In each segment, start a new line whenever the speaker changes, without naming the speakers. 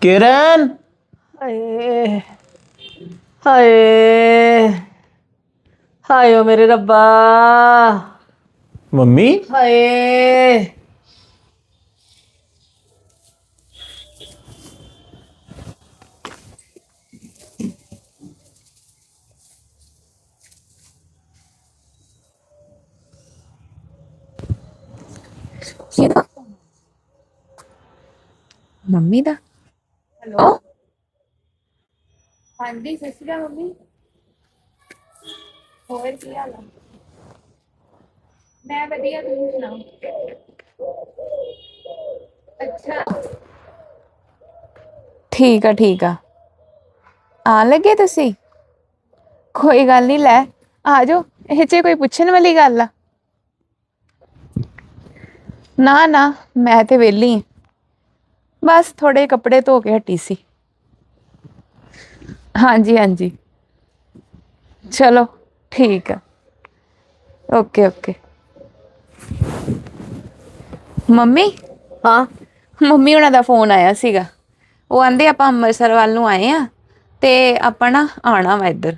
किरण।
ਹਾਏ ਹਾਏ ਹਾਏ ਓ ਮੇਰੇ ਰੱਬਾ
मम्मी
ਹਾਏ
ਮੰਮੀ ਦਾ
ਹੈਲੋ ਹਾਂਜੀ ਸਤਿ ਸ਼੍ਰੀ ਅਕਾਲ ਮੰਮੀ ਹੋਰ ਕੀ ਹਾਲ ਆ ਮੈਂ ਵਧੀਆ ਤੁਸੀਂ ਸੁਣਾਓ ਅੱਛਾ
ਠੀਕ ਆ ਆਣ ਲੱਗੇ ਤੁਸੀਂ? ਕੋਈ ਗੱਲ ਨਹੀਂ, ਲੈ ਆ ਜਾਓ। ਇਹ 'ਚ ਕੋਈ ਪੁੱਛਣ ਵਾਲੀ ਗੱਲ ਆ? ਨਾ ਨਾ, ਮੈਂ ਤੇ ਵਿਹਲੀ ਆਂ, ਬਸ ਥੋੜੇ ਕੱਪੜੇ ਧੋ ਕੇ ਹਟੀ ਸੀ। ਹਾਂਜੀ ਹਾਂਜੀ, ਚਲੋ ਠੀਕ ਆ। Okay okay. ਮੰਮੀ
ਹਾਂ
ਮੰਮੀ ਉਹਨਾਂ ਦਾ ਫੋਨ ਆਇਆ ਸੀਗਾ। ਉਹ ਆਂਦੇ ਆਪਾਂ ਅੰਮ੍ਰਿਤਸਰ ਵੱਲ ਨੂੰ ਆਏ ਆ ਤੇ ਆਪਾਂ ਨਾ ਆਉਣਾ ਵਾ ਇੱਧਰ।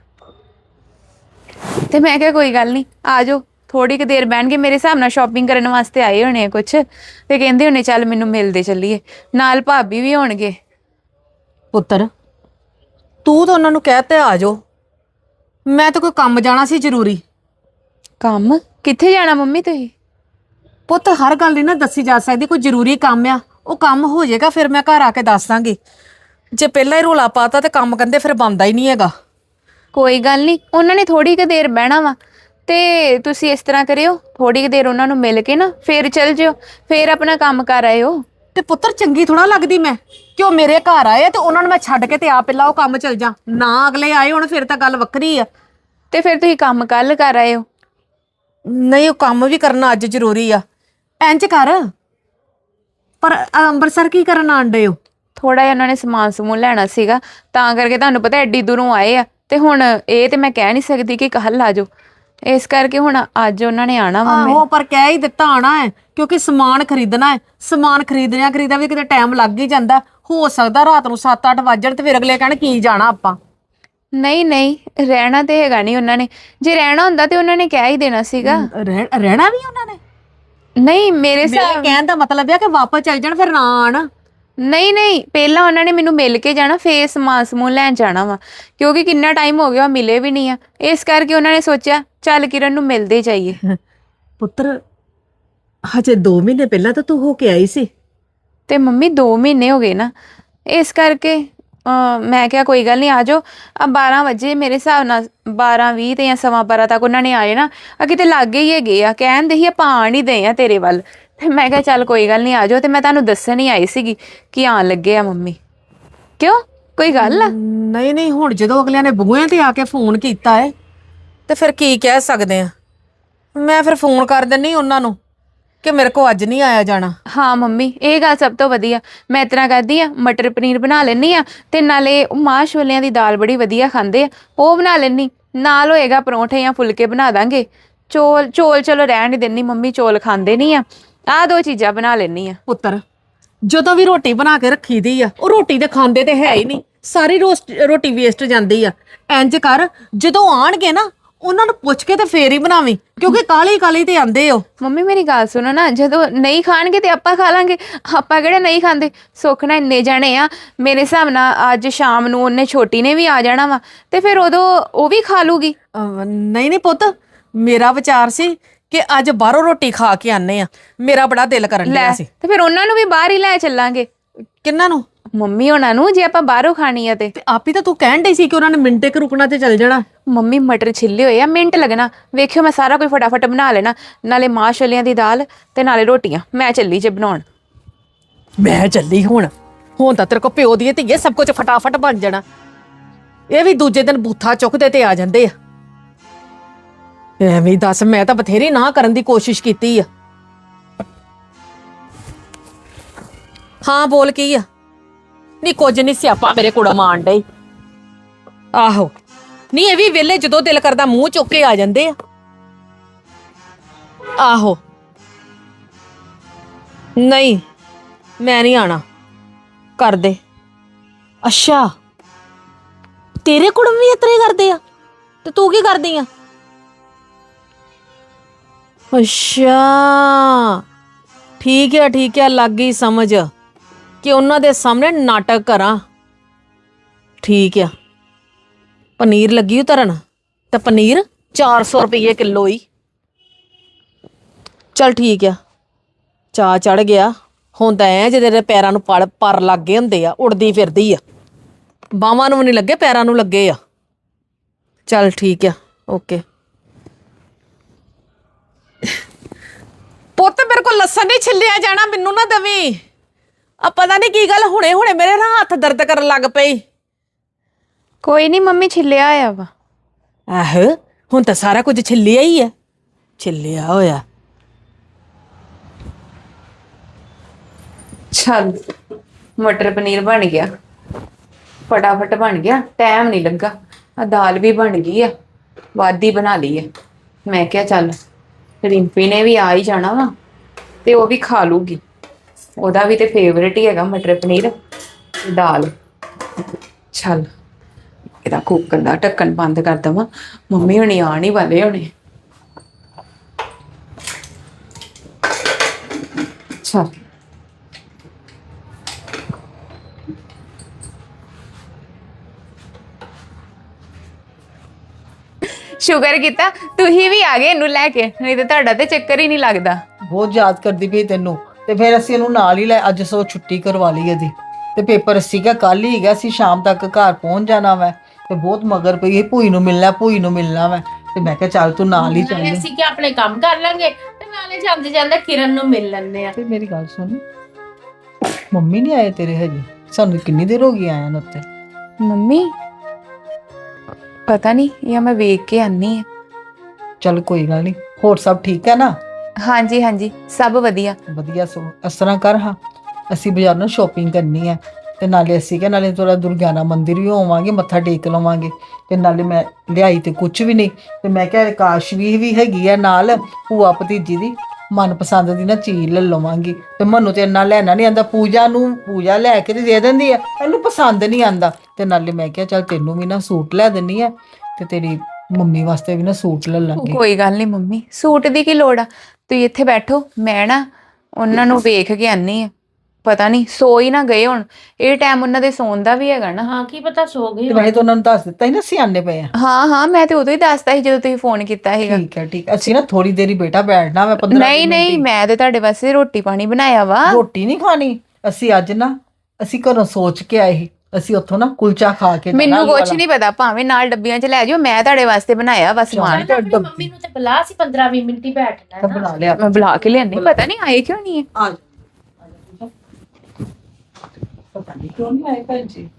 ਤੇ ਮੈਂ ਕਿਹਾ ਕੋਈ ਗੱਲ ਨਹੀਂ, ਆ ਜਾਓ। ਥੋੜੀ ਕੁ ਦੇਰ ਬਹਿਣਗੇ, ਮੇਰੇ ਹਿਸਾਬ ਨਾਲ ਸ਼ਾਪਿੰਗ ਕਰਨ ਵਾਸਤੇ ਆਏ ਹੋਣੇ ਆ ਕੁਛ, ਤੇ ਕਹਿੰਦੇ ਹੋਣੇ ਚੱਲ ਮੈਨੂੰ ਮਿਲਦੇ ਚੱਲੀਏ, ਨਾਲ ਭਾਬੀ ਵੀ ਹੋਣਗੇ।
ਪੁੱਤਰ, ਤੂੰ ਤਾਂ ਉਹਨਾਂ ਨੂੰ ਕਹਿ ਤੇ ਆ ਜਾਓ। ਮੈਂ ਤਾਂ ਕੋਈ ਕੰਮ ਜਾਣਾ ਸੀ ਜ਼ਰੂਰੀ।
ਕੰਮ ਕਿੱਥੇ ਜਾਣਾ ਮੰਮੀ ਤੁਸੀਂ?
ਪੁੱਤ, ਹਰ ਗੱਲ ਨਹੀਂ ਨਾ ਦੱਸੀ ਜਾ ਸਕਦੀ। ਕੋਈ ਜ਼ਰੂਰੀ ਕੰਮ ਆ, ਉਹ ਕੰਮ ਹੋ ਜਾਏਗਾ ਫਿਰ ਮੈਂ ਘਰ ਆ ਕੇ ਦੱਸ ਦਾਂਗੀ। ਜੇ ਪਹਿਲਾਂ ਹੀ ਰੋਲਾ ਪਾਤਾ ਤੇ ਕੰਮ ਕਹਿੰਦੇ ਫਿਰ ਬਣਦਾ ਹੀ ਨਹੀਂ ਹੈਗਾ।
ਕੋਈ ਗੱਲ ਨਹੀਂ, ਉਹਨਾਂ ਨੇ ਥੋੜੀ ਕੁ ਦੇਰ ਬਹਿਣਾ ਵਾ, ਤੇ ਤੁਸੀਂ ਇਸ ਤਰ੍ਹਾਂ ਕਰਿਓ, ਥੋੜੀ ਕੁ ਦੇਰ ਉਹਨਾਂ ਨੂੰ ਮਿਲ ਕੇ ਨਾ ਫਿਰ ਚੱਲ ਜਿਓ, ਫਿਰ ਆਪਣਾ ਕੰਮ ਕਰ ਆਇਓ।
ਤੇ ਪੁੱਤਰ, ਚੰਗੀ ਥੋੜਾ ਲੱਗਦੀ ਮੈਂ ਕਿ ਉਹ ਮੇਰੇ ਘਰ ਆਏ ਤੇ ਉਹਨਾਂ ਨੂੰ ਮੈਂ ਛੱਡ ਕੇ ਤੇ ਆ ਪਹਿਲਾਂ ਉਹ ਕੰਮ ਚਲ ਜਾ। ਨਾ ਅਗਲੇ ਆਏ ਹੁਣ ਫਿਰ ਤਾਂ ਗੱਲ ਵੱਖਰੀ ਆ।
ਤੇ ਫਿਰ ਤੁਸੀਂ ਕੰਮ ਕੱਲ ਕਰ ਆਇਓ।
ਨਹੀਂ, ਉਹ ਕੰਮ ਵੀ ਕਰਨਾ ਅੱਜ ਜ਼ਰੂਰੀ ਆ। ਇੰਜ ਕਰ, ਪਰ ਅੰਮ੍ਰਿਤਸਰ ਕੀ ਕਰਨ ਆਣ ਡੇ ਹੋ?
ਥੋੜਾ ਜਿਹਾ ਉਹਨਾਂ ਨੇ ਸਮਾਨ ਸਮੂਨ ਲੈਣਾ ਸੀਗਾ, ਤਾਂ ਕਰਕੇ ਤੁਹਾਨੂੰ ਪਤਾ ਐਡੀ ਦੂਰੋਂ ਆਏ ਆ, ਤੇ ਹੁਣ ਇਹ ਤੇ ਮੈਂ ਕਹਿ ਨਹੀਂ ਸਕਦੀ ਕਿ ਕੱਲ ਆ ਜਾਓ, ਇਸ ਕਰਕੇ ਹੁਣ ਅੱਜ ਉਹਨਾਂ ਨੇ ਆਣਾ ਵਾ।
ਆਹੋ, ਪਰ ਕਹਿ ਹੀ ਦਿੱਤਾ ਆਣਾ ਹੈ ਕਿਉਂਕਿ ਸਮਾਨ ਖਰੀਦਣਾ ਹੈ। ਸਮਾਨ ਖਰੀਦਿਆ ਵੀ ਕਿਤੇ ਟਾਈਮ ਲੱਗ ਹੀ ਜਾਂਦਾ। ਹੋ ਸਕਦਾ ਰਾਤ ਨੂੰ 7-8 ਵੱਜਣ ਤੇ ਫਿਰ ਅਗਲੇ ਕਹਿਣ ਕੀ ਜਾਣਾ ਆਪਾਂ।
ਨਹੀਂ ਨਹੀਂ, ਰਹਿਣਾ ਤੇ ਹੈਗਾ ਨਹੀਂ ਉਹਨਾਂ ਨੇ। ਜੇ ਰਹਿਣਾ ਹੁੰਦਾ ਤੇ ਉਹਨਾਂ ਨੇ ਕਹਿ ਹੀ ਦੇਣਾ ਸੀਗਾ।
ਰਹਿਣਾ ਵੀ ਉਹਨਾਂ ਨੇ?
ਨਹੀਂ ਮੇਰੇ
ਮੇਰੇ
ਹਿਸਾਬ,
ਕਹਿਣ ਦਾ ਮਤਲਬ ਹੈ ਕਿ ਵਾਪਸ ਚੱਲ ਜਾਣ ਫਿਰ ਨਾ ਆਣ।
ਨਹੀਂ ਨਹੀਂ, ਪਹਿਲਾਂ ਉਹਨਾਂ ਨੇ ਮੈਨੂੰ ਮਿਲ ਕੇ ਜਾਣਾ, ਫੇਰ ਸਮਾਨ ਸਮੂਨ ਲੈਣ ਜਾਣਾ ਵਾ, ਕਿਉਂਕਿ ਕਿੰਨਾ ਟਾਈਮ ਹੋ ਗਿਆ ਮਿਲੇ ਵੀ ਨਹੀਂ ਆ। ਇਸ ਕਰਕੇ ਉਹਨਾਂ ਨੇ ਸੋਚਿਆ ਚੱਲ ਕਿਰਨ ਨੂੰ ਮਿਲਦੇ ਜਾਈਏ।
ਪੁੱਤਰ, ਹਜੇ 2 ਮਹੀਨੇ ਪਹਿਲਾਂ ਤਾਂ ਤੂੰ ਹੋ ਕੇ ਆਈ ਸੀ।
ਤੇ ਮੰਮੀ 2 ਮਹੀਨੇ ਹੋ ਗਏ ਨਾ, ਇਸ ਕਰਕੇ ਮੈਂ ਕਿਹਾ ਕੋਈ ਗੱਲ ਨਹੀਂ, ਆ ਜਾਓ। 12 ਵਜੇ ਮੇਰੇ ਹਿਸਾਬ ਨਾਲ 12:20 ਤੇ ਜਾਂ 12:15 ਤੱਕ ਉਹਨਾਂ ਨੇ ਆ ਜਾਣਾ। ਕਿਤੇ ਲਾਗੇ ਹੀ ਹੈਗੇ ਆ, ਕਹਿੰਦੇ ਹੀ ਆਪਾਂ ਆਣ ਹੀ ਦੇ ਆ ਤੇਰੇ ਵੱਲ। ਤੇ ਮੈਂ ਕਿਹਾ ਚੱਲ ਕੋਈ ਗੱਲ ਨਹੀਂ, ਆ ਜਾਓ। ਤੇ ਮੈਂ ਤੁਹਾਨੂੰ ਦੱਸਣ ਹੀ ਆਈ ਸੀਗੀ ਕਿ ਆਣ ਲੱਗੇ ਆ ਮੰਮੀ। ਕਿਉਂ, ਕੋਈ ਗੱਲ ਆ?
ਨਹੀਂ ਨਹੀਂ, ਹੁਣ ਜਦੋਂ ਅਗਲਿਆਂ ਨੇ ਬੂਹਿਆਂ ਤੇ ਆ ਕੇ ਫੋਨ ਕੀਤਾ ਹੈ ਤੇ ਫਿਰ ਕੀ ਕਹਿ ਸਕਦੇ ਆ। ਮੈਂ ਫਿਰ ਫੋਨ ਕਰ ਦਿੰਨੀ ਉਹਨਾਂ ਨੂੰ ਕਿ ਮੇਰੇ ਕੋ ਅੱਜ ਨਹੀਂ ਆਇਆ ਜਾਣਾ।
ਹਾਂ ਮੰਮੀ, ਇਹ ਗੱਲ ਸਭ ਤੋਂ ਵਧੀਆ। ਮੈਂ ਇਸ ਤਰ੍ਹਾਂ ਕਰਦੀ ਆ, ਮਟਰ ਪਨੀਰ ਬਣਾ ਲੈਂਦੀ ਆ, ਤੇ ਨਾਲੇ ਮਾਂ ਛੋਲਿਆਂ ਦੀ ਦਾਲ ਬੜੀ ਵਧੀਆ ਖਾਂਦੇ ਆ, ਉਹ ਬਣਾ ਲੈਂਦੀ। ਨਾਲ ਹੋਏਗਾ ਪਰੌਂਠੇ ਜਾਂ ਫੁਲਕੇ ਬਣਾ ਦਾਂਗੇ। ਚੋਲ ਚੋਲ ਚਲੋ ਰਹਿਣ ਨਹੀਂ ਦਿੰਦੀ, ਮੰਮੀ ਚੋਲ ਖਾਂਦੇ ਨਹੀਂ ਆ। ਆਹ 2 ਚੀਜ਼ਾਂ ਬਣਾ ਲੈਂਦੀ ਆ।
ਪੁੱਤਰ, ਜਦੋਂ ਵੀ ਰੋਟੀ ਬਣਾ ਕੇ ਰੱਖੀ ਦੀ ਆ, ਉਹ ਰੋਟੀ ਤੇ ਖਾਂਦੇ ਤੇ ਹੈ ਹੀ ਨਹੀਂ। ਸਾਰੀ ਰੋਟੀ ਵੇਸਟ ਜਾਂਦੀ ਆ। ਇੰਜ ਕਰ, ਜਦੋਂ ਆਣਗੇ ਨਾ ਉਹਨਾਂ ਨੂੰ ਪੁੱਛ ਕੇ ਤੇ ਫੇਰ ਹੀ ਬਣਾਵੀਂ, ਕਿਉਂਕਿ ਕਾਲੀ ਕਾਲੀ ਤੇ ਆਂਦੇ ਹੋ।
ਮੰਮੀ ਮੇਰੀ ਗੱਲ ਸੁਣੋ ਨਾ, ਜਦੋਂ ਨਹੀਂ ਖਾਣਗੇ ਤੇ ਆਪਾਂ ਖਾ ਲਾਂਗੇ। ਆਪਾਂ ਕਿਹੜੇ ਨਹੀਂ ਖਾਂਦੇ? ਸੁੱਖ ਨਾਲ ਇੰਨੇ ਜਾਣੇ ਆ, ਮੇਰੇ ਹਿਸਾਬ ਨਾਲ ਅੱਜ ਸ਼ਾਮ ਨੂੰ ਉਹਨੇ ਛੋਟੀ ਨੇ ਵੀ ਆ ਜਾਣਾ ਵਾ, ਤੇ ਫਿਰ ਉਦੋਂ ਉਹ ਵੀ ਖਾ ਲੂਗੀ।
ਨਹੀਂ ਨਹੀਂ ਪੁੱਤ, ਮੇਰਾ ਵਿਚਾਰ ਸੀ ਕਿ ਅੱਜ ਬਾਹਰੋਂ ਰੋਟੀ ਖਾ ਕੇ ਆਨੇ ਆ। ਮੇਰਾ ਬੜਾ ਦਿਲ ਕਰਨ ਡਿਆ
ਲੈ,
ਸੀ।
ਤੇ ਫਿਰ ਉਹਨਾਂ ਨੂੰ ਵੀ ਬਾਹਰ ਹੀ ਲੈ ਚੱਲਾਂਗੇ।
ਕਿੰਨਾਂ ਨੂੰ?
ਮੰਮੀ ਹੋਣਾ ਨੂੰ, ਜੇ ਆਪਾਂ ਬਾਹਰੋਂ ਖਾਣੀ ਆ ਤੇ।
ਆਪ ਹੀ ਤਾਂ ਤੂੰ ਕਹਿਣ ਡਈ ਸੀ ਕਿ ਉਹਨਾਂ ਨੇ ਮਿੰਟੇ ਕੁ ਰੁਕਣਾ ਤੇ ਚੱਲ ਜਾਣਾ।
ਮੰਮੀ ਮਟਰ ਛਿੱਲੇ ਹੋਏ ਆ, ਮਿੰਟ ਲੱਗਣਾ। ਵੇਖਿਓ ਮੈਂ ਸਾਰਾ ਕੁਝ ਫਟਾਫਟ ਬਣਾ ਲੈਣਾ, ਨਾਲੇ ਮਾਂ ਛੋਲਿਆਂ ਦੀ ਦਾਲ ਤੇ ਨਾਲੇ ਰੋਟੀਆਂ। ਮੈਂ ਚੱਲੀ ਜੇ ਬਣਾਉਣ।
ਮੈਂ ਚੱਲੀ ਹੁਣ ਤਾਂ ਤੇਰੇ ਕੋ ਪਿਓ ਦੀ ਧੀਏ ਸਭ ਕੁਝ ਫਟਾਫਟ ਬਣ ਜਾਣਾ। ਇਹ ਵੀ ਦੂਜੇ ਦਿਨ ਬੂਥਾ ਚੁੱਕਦੇ ਤੇ ਆ ਜਾਂਦੇ ਆ। ਐਵੇਂ ਦੱਸ, ਮੈਂ ਤਾਂ ਬਥੇਰੀ ਨਾ ਕਰਨ ਦੀ ਕੋਸ਼ਿਸ਼ ਕੀਤੀ ਆ। ਹਾਂ ਬੋਲ ਕੀ ਆ? ਨਹੀਂ ਕੁਝ ਨਹੀਂ, ਸਿਆਪਾ ਮੇਰੇ ਕੋਲ ਮਾਣ ਡਈ। ਆਹੋ, ਨਹੀਂ ਇਹ ਵੀ ਵੇਲੇ ਜਦੋਂ ਦਿਲ ਕਰਦਾ ਮੂੰਹ ਚੁੱਕ ਕੇ ਆ ਜਾਂਦੇ ਆ। ਆਹੋ, ਨਹੀਂ ਮੈਂ ਨਹੀਂ ਆਣਾ। ਕਰ ਦੇ। ਅੱਛਾ, ਤੇਰੇ ਕੁੜਮ ਵੀ ਇਤਰੇ ਕਰਦੇ ਆ ਤੇ ਤੂੰ ਕੀ ਕਰਦੀ ਆ? ਅੱਛਾ, ਠੀਕ ਹੈ, ਲੱਗ ਗਈ ਸਮਝ ਕਿ ਉਹਨਾਂ ਦੇ ਸਾਹਮਣੇ ਨਾਟਕ ਕਰਾਂ। ਠੀਕ ਆ, ਪਨੀਰ ਲੱਗੀ ਉਤਰਨ ਤੇ ਪਨੀਰ 400 ਰੁਪਏ ਕਿਲੋ ਹੀ। ਚਲ ਠੀਕ ਆ, ਚਾਹ ਚੜ ਗਿਆ ਹੁਣ ਤਾਂ ਐ ਜਿਹਦੇ ਦੇ ਪੈਰਾਂ ਨੂੰ ਪਰ ਲੱਗੇ ਹੁੰਦੇ ਆ, ਉੜਦੀ ਫਿਰਦੀ ਆ, ਬਾਹਾਂ ਨੂੰ ਨਹੀਂ ਲੱਗੇ, ਪੈਰਾਂ ਨੂੰ ਲੱਗੇ ਆ। ਚਲ ਠੀਕ ਆ, ਓਕੇ। ਪੁੱਤ ਮੇਰੇ ਕੋਲ ਲਸਣ ਨਹੀਂ ਛਿੱਲਿਆ ਜਾਣਾ, ਮੈਨੂੰ ਨਾ ਦਵੀਂ। ਆ ਪਤਾ ਨਹੀਂ ਕੀ ਗੱਲ, ਹੁਣੇ ਹੁਣੇ ਮੇਰੇ ਨਾ ਹੱਥ ਦਰਦ ਕਰਨ ਲੱਗ ਪਈ।
ਕੋਈ ਨਹੀਂ ਮੰਮੀ, ਛਿੱਲਿਆ ਆਇਆ ਵਾ।
ਆਹੋ, ਹੁਣ ਤਾਂ ਸਾਰਾ ਕੁਝ ਛਿੱਲਿਆ ਹੀ ਆ, ਛਿੱਲਿਆ ਹੋਇਆ।
ਚੱਲ ਮਟਰ ਪਨੀਰ ਬਣ ਗਿਆ, ਫਟਾਫਟ ਬਣ ਗਿਆ, ਟਾਈਮ ਨਹੀਂ ਲੱਗਾ। ਆ ਦਾਲ ਵੀ ਬਣ ਗਈ ਆ, ਵਾਦੀ ਬਣਾ ਲਈ ਹੈ। ਮੈਂ ਕਿਹਾ ਚੱਲ ਰਿੰਪੀ ਨੇ ਵੀ ਆ ਹੀ ਜਾਣਾ ਵਾ ਤੇ ਉਹ ਵੀ ਖਾ ਲੂਗੀ, ਉਹਦਾ ਵੀ ਤੇ ਫੇਵਰੇਟ ਹੀ ਹੈਗਾ ਮਟਰ ਪਨੀਰ ਤੇ ਦਾਲ। ਚੱਲ ਇਹਦਾ ਕੁੱਕਰ ਦਾ ਢੱਕਣ ਬੰਦ ਕਰ ਦਵਾਂ, ਮੰਮੀ ਹੁਣੀ ਆਣ ਹੀ ਵਾਲੇ ਹੋਣੇ। ਚੱਲ ਸ਼ੁਕਰ ਕੀਤਾ ਤੁਸੀਂ ਵੀ ਆ ਗਏ ਇਹਨੂੰ ਲੈ ਕੇ, ਨਹੀਂ ਤੇ ਤੁਹਾਡਾ ਤੇ ਚੱਕਰ ਹੀ ਨਹੀਂ ਲੱਗਦਾ।
ਬਹੁਤ ਯਾਦ ਕਰਦੀ ਪਈ ਤੈਨੂੰ, ਤੇ ਫਿਰ ਅਸੀਂ ਇਹਨੂੰ ਨਾਲ ਹੀ ਲੈ, ਅੱਜ ਸੋ ਛੁੱਟੀ ਕਰਵਾ ਲਈ ਇਹਦੀ, ਤੇ ਪੇਪਰ ਸੀਗਾ ਕੱਲ ਹੀ ਹੈਗਾ, ਅਸੀਂ ਸ਼ਾਮ ਤੱਕ ਘਰ ਪਹੁੰਚ ਜਾਣਾ ਵਾ। ਤੇ ਬਹੁਤ ਮਗਰ ਪਈ ਇਹ, ਭੂਈ ਨੂੰ ਮਿਲਣਾ ਵਾ। ਤੇ ਮੈਂ ਕਿਹਾ ਚੱਲ ਤੂੰ ਨਾਲ ਹੀ ਚੱਲ।
ਅਸੀਂ ਕਿ ਆਪਣੇ ਕੰਮ ਕਰ ਲਾਂਗੇ ਤੇ ਨਾਲੇ ਜਾਂਦੇ ਜਾਂਦੇ ਕਿਰਨ ਨੂੰ ਮਿਲ ਲੈਂਦੇ ਆ।
ਤੇ ਮੇਰੀ ਗੱਲ ਸੁਣ, ਮੰਮੀ ਨਹੀਂ ਆਏ ਤੇਰੇ ਹਜੇ? ਸਾਨੂੰ ਕਿੰਨੀ ਦੇਰ ਹੋ ਗਈ ਆਇਆ ਨੂੰ ਉੱਤੇ।
ਮੰਮੀ ਪਤਾ ਨਹੀਂ, ਜਾਂ ਮੈਂ ਵੇਖ ਕੇ ਆਨੀ ਆ।
ਚੱਲ ਕੋਈ ਗੱਲ ਨਹੀਂ, ਹੋਰ ਸਭ ਠੀਕ ਹੈ ਨਾ?
ਹਾਂਜੀ ਹਾਂਜੀ, ਸਭ ਵਧੀਆ।
ਵਧੀਆ। ਸੋ ਇਸ ਤਰ੍ਹਾਂ ਕਰ, ਹਾਂ ਅਸੀਂ ਬਾਜ਼ਾਰ ਨਾਲ ਸ਼ਾਪਿੰਗ ਕਰਨੀ ਹੈ, ਤੇ ਨਾਲੇ ਅਸੀਂ ਕਿ ਨਾਲੇ ਥੋੜਾ ਦੁਰਗਿਆਨਾ ਮੰਦਿਰ ਵੀ ਹੋਵਾਂਗੇ, ਮੱਥਾ ਟੇਕ ਲਵਾਂਗੇ। ਤੇ ਨਾਲੇ ਮੈਂ ਲਿਆਈ ਤੇ ਕੁਝ ਵੀ ਨਹੀਂ, ਤੇ ਮੈਂ ਕਿਹਾ ਆਕਾਸ਼ ਵੀ ਹੈਗੀ ਆ ਨਾਲ, ਭੂਆ ਭਤੀਜੀ ਦੀ ਮਨਪਸੰਦ ਦੀ ਨਾ ਚੀਜ਼ ਲੈ ਲਵਾਂਗੀ। ਤੇ ਮੈਨੂੰ ਤੇ ਇੰਨਾ ਲੈਣਾ ਨਹੀਂ ਆਂਦਾ, ਪੂਜਾ ਲੈ ਕੇ ਤੇ ਦੇ ਦਿੰਦੀ ਆ, ਇਹਨੂੰ ਪਸੰਦ ਨਹੀਂ ਆਂਦਾ। ਤੇ ਨਾਲੇ ਮੈਂ ਕਿਹਾ ਚੱਲ ਤੈਨੂੰ ਵੀ ਨਾ ਸੂਟ ਲੈ ਦਿੰਨੀ ਆ, ਤੇ ਤੇਰੀ ਮੰਮੀ ਵਾਸਤੇ ਵੀ ਨਾ ਸੂਟ ਲੈ ਲਾਂਗੇ।
ਕੋਈ ਗੱਲ ਨਹੀਂ ਮੰਮੀ, ਸੂਟ ਦੀ ਕੀ ਲੋੜ ਆ, ਤੁਸੀਂ ਇੱਥੇ ਬੈਠੋ, ਮੈਂ ਨਾ ਉਹਨਾਂ ਨੂੰ ਵੇਖ ਕੇ ਆਨੀ ਆ। ਪਤਾ ਨਹੀਂ ਸੋ ਹੀ ਨਾ ਗਏ ਹੁਣ, ਇਹ ਟਾਈਮ ਉਹਨਾਂ ਦੇ ਸੌਣ ਦਾ ਵੀ ਹੈਗਾ ਨਾ।
ਹਾਂ ਕੀ ਪਤਾ ਸੋ ਗਏ
ਤੇ ਮੈਂ ਤਾਂ ਉਹਨਾਂ ਨੂੰ ਦੱਸ ਦਿੱਤਾ ਸੀ ਨਾ ਸਿਆਣੇ ਪਏ ਆ।
ਹਾਂ ਮੈਂ ਤੇ ਉਦੋਂ ਹੀ ਦੱਸਤਾ ਸੀ ਜਦੋਂ ਤੁਸੀਂ ਫੋਨ ਕੀਤਾ ਸੀਗਾ।
ਠੀਕ, ਅਸੀਂ ਨਾ ਥੋੜੀ ਦੇਰੀ ਬੇਟਾ ਬੈਠਣਾ, ਮੈਂ 15
ਨਹੀਂ ਮੈਂ ਤੇ ਤੁਹਾਡੇ ਵਾਸਤੇ ਰੋਟੀ ਪਾਣੀ ਬਣਾਇਆ ਵਾ।
ਰੋਟੀ ਨਹੀਂ ਖਾਣੀ, ਅਸੀਂ ਅੱਜ ਨਾ ਅਸੀਂ ਘਰੋਂ ਸੋਚ ਕੇ ਆਏ ਸੀ, ਅਸੀਂ ਉੱਥੋਂ ਨਾ ਕੁਲਚਾ ਖਾ ਕੇ
ਮੈਨੂੰ ਕੁਝ ਨਹੀਂ ਪਤਾ, ਭਾਵੇਂ ਨਾਲ ਡੱਬੀਆਂ 'ਚ ਲੈ ਜਾਓ, ਮੈਂ ਤੁਹਾਡੇ ਵਾਸਤੇ ਬਣਾਇਆ ਵਾ ਸਮਾਨ।
ਆਪਣੀ ਮੰਮੀ ਨੂੰ ਤੇ ਬੁਲਾ, ਸੀ 15-20 ਮਿੰਟ ਹੀ ਬੈਠਣਾ ਨਾ।
ਬਣਾ ਲਿਆ।
ਮੈਂ ਬੁਲਾ ਕੇ ਲਿਆਨੀ, ਪਤਾ ਨਹੀਂ ਆਏ ਕਿਉਂ ਨਹੀਂ ਹੈ।
ਆ ਪਤਾ ਨਹੀਂ ਕਿਉਂ ਨਹੀਂ ਆਏ ਭੈਣ ਜੀ।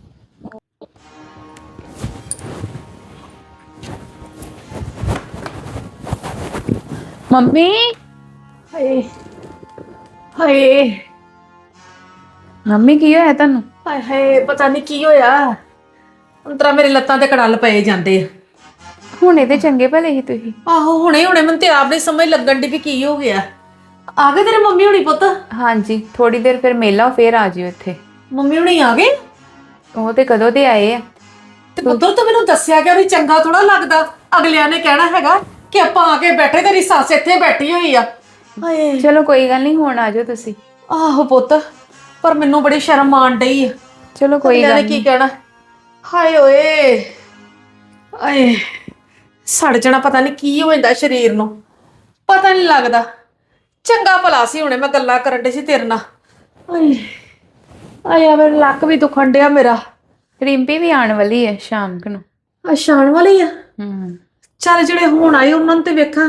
ਮੰਮੀ
ਹਾਏ ਹਾਏ
ਮੰਮੀ ਕੀ ਹੋਇਆ ਤੁਹਾਨੂੰ?
ਹਾਏ ਹਾਏ, ਪਤਾ ਨਹੀਂ ਕੀ ਹੋਇਆ, ਅੰਤਰਾ ਮੇਰੇ ਲੱਤਾਂ ਤੇ ਕੜਲ ਪਏ ਜਾਂਦੇ ਆ।
ਹੁਣੇ ਤੇ ਚੰਗੇ ਭਲੇ ਸੀ ਤੁਸੀਂ।
ਆਹੋ, ਹੁਣੇ ਮੈਨੂੰ ਤੇ ਆਪ ਨਹੀਂ ਸਮਝ ਲੱਗਣ ਦੀ ਵੀ ਕੀ ਹੋ ਗਿਆ। ਆ ਗਏ ਤੇਰੇ ਮੰਮੀ ਹੁਣੀ ਪੁੱਤ?
ਹਾਂਜੀ, ਥੋੜੀ ਦੇਰ ਫਿਰ ਮੇਲਾ, ਫੇਰ ਆ ਜਿਓ ਇੱਥੇ।
ਮੰਮੀ ਹੁਣੀ ਆ ਗਏ?
ਉਹ ਤੇ ਕਦੋਂ ਦੇ ਆਏ ਆ।
ਤੇ ਪੁੱਤਰ ਤੂੰ ਮੈਨੂੰ ਦੱਸਿਆ ਕਿ ਉਹ ਚੰਗਾ ਥੋੜਾ ਲੱਗਦਾ, ਅਗਲਿਆਂ ਨੇ ਕਹਿਣਾ ਹੈਗਾ ਕਿ ਆਪਾਂ ਆ ਕੇ ਬੈਠੇ, ਤੇਰੀ ਸੱਸ ਇੱਥੇ ਬੈਠੀ ਹੋਈ ਆ। ਹਾਏ,
ਚਲੋ ਕੋਈ ਗੱਲ ਨਹੀਂ, ਹੁਣ ਆ ਜਾਓ ਤੁਸੀਂ।
ਆਹੋ ਪੁੱਤ, ਪਰ ਮੈਨੂੰ ਬੜੀ ਸ਼ਰਮ ਆਣ ਡਈ ਆ।
ਚਲੋ ਕੋਈ
ਅਗਲਿਆਂ
ਗੱਲ
ਨੇ ਕੀ
ਨਹੀਂ।
ਕਹਿਣਾ। ਹਾਏ ਓਏ, ਆਏ ਸੜ ਜਾਣਾ, ਪਤਾ ਨਹੀਂ ਕੀ ਹੋ ਜਾਂਦਾ ਸਰੀਰ ਨੂੰ, ਪਤਾ ਨਹੀਂ ਲੱਗਦਾ। ਚੰਗਾ ਭਲਾ ਸੀ, ਹੁਣੇ ਮੈਂ ਗੱਲਾਂ ਕਰਨ ਡਈ ਸੀ ਤੇਰੇ ਨਾਲ। ਆਏ ਆਇਆ, ਮੇਰਾ ਲੱਕ ਵੀ ਦੁਖਣ ਡਿਆ ਮੇਰਾ।
ਰਿੰਪੀ ਵੀ ਆਉਣ ਵਾਲੀ ਹੈ ਸ਼ਾਮ ਨੂੰ।
ਆ ਸ਼ਾਨ ਵਾਲੀ ਆ?
ਹੂੰ।
ਚੱਲ ਜਿਹੜੇ ਹੁਣ ਆਏ ਉਹਨਾਂ ਨੂੰ ਤੇ ਵੇਖਾਂ।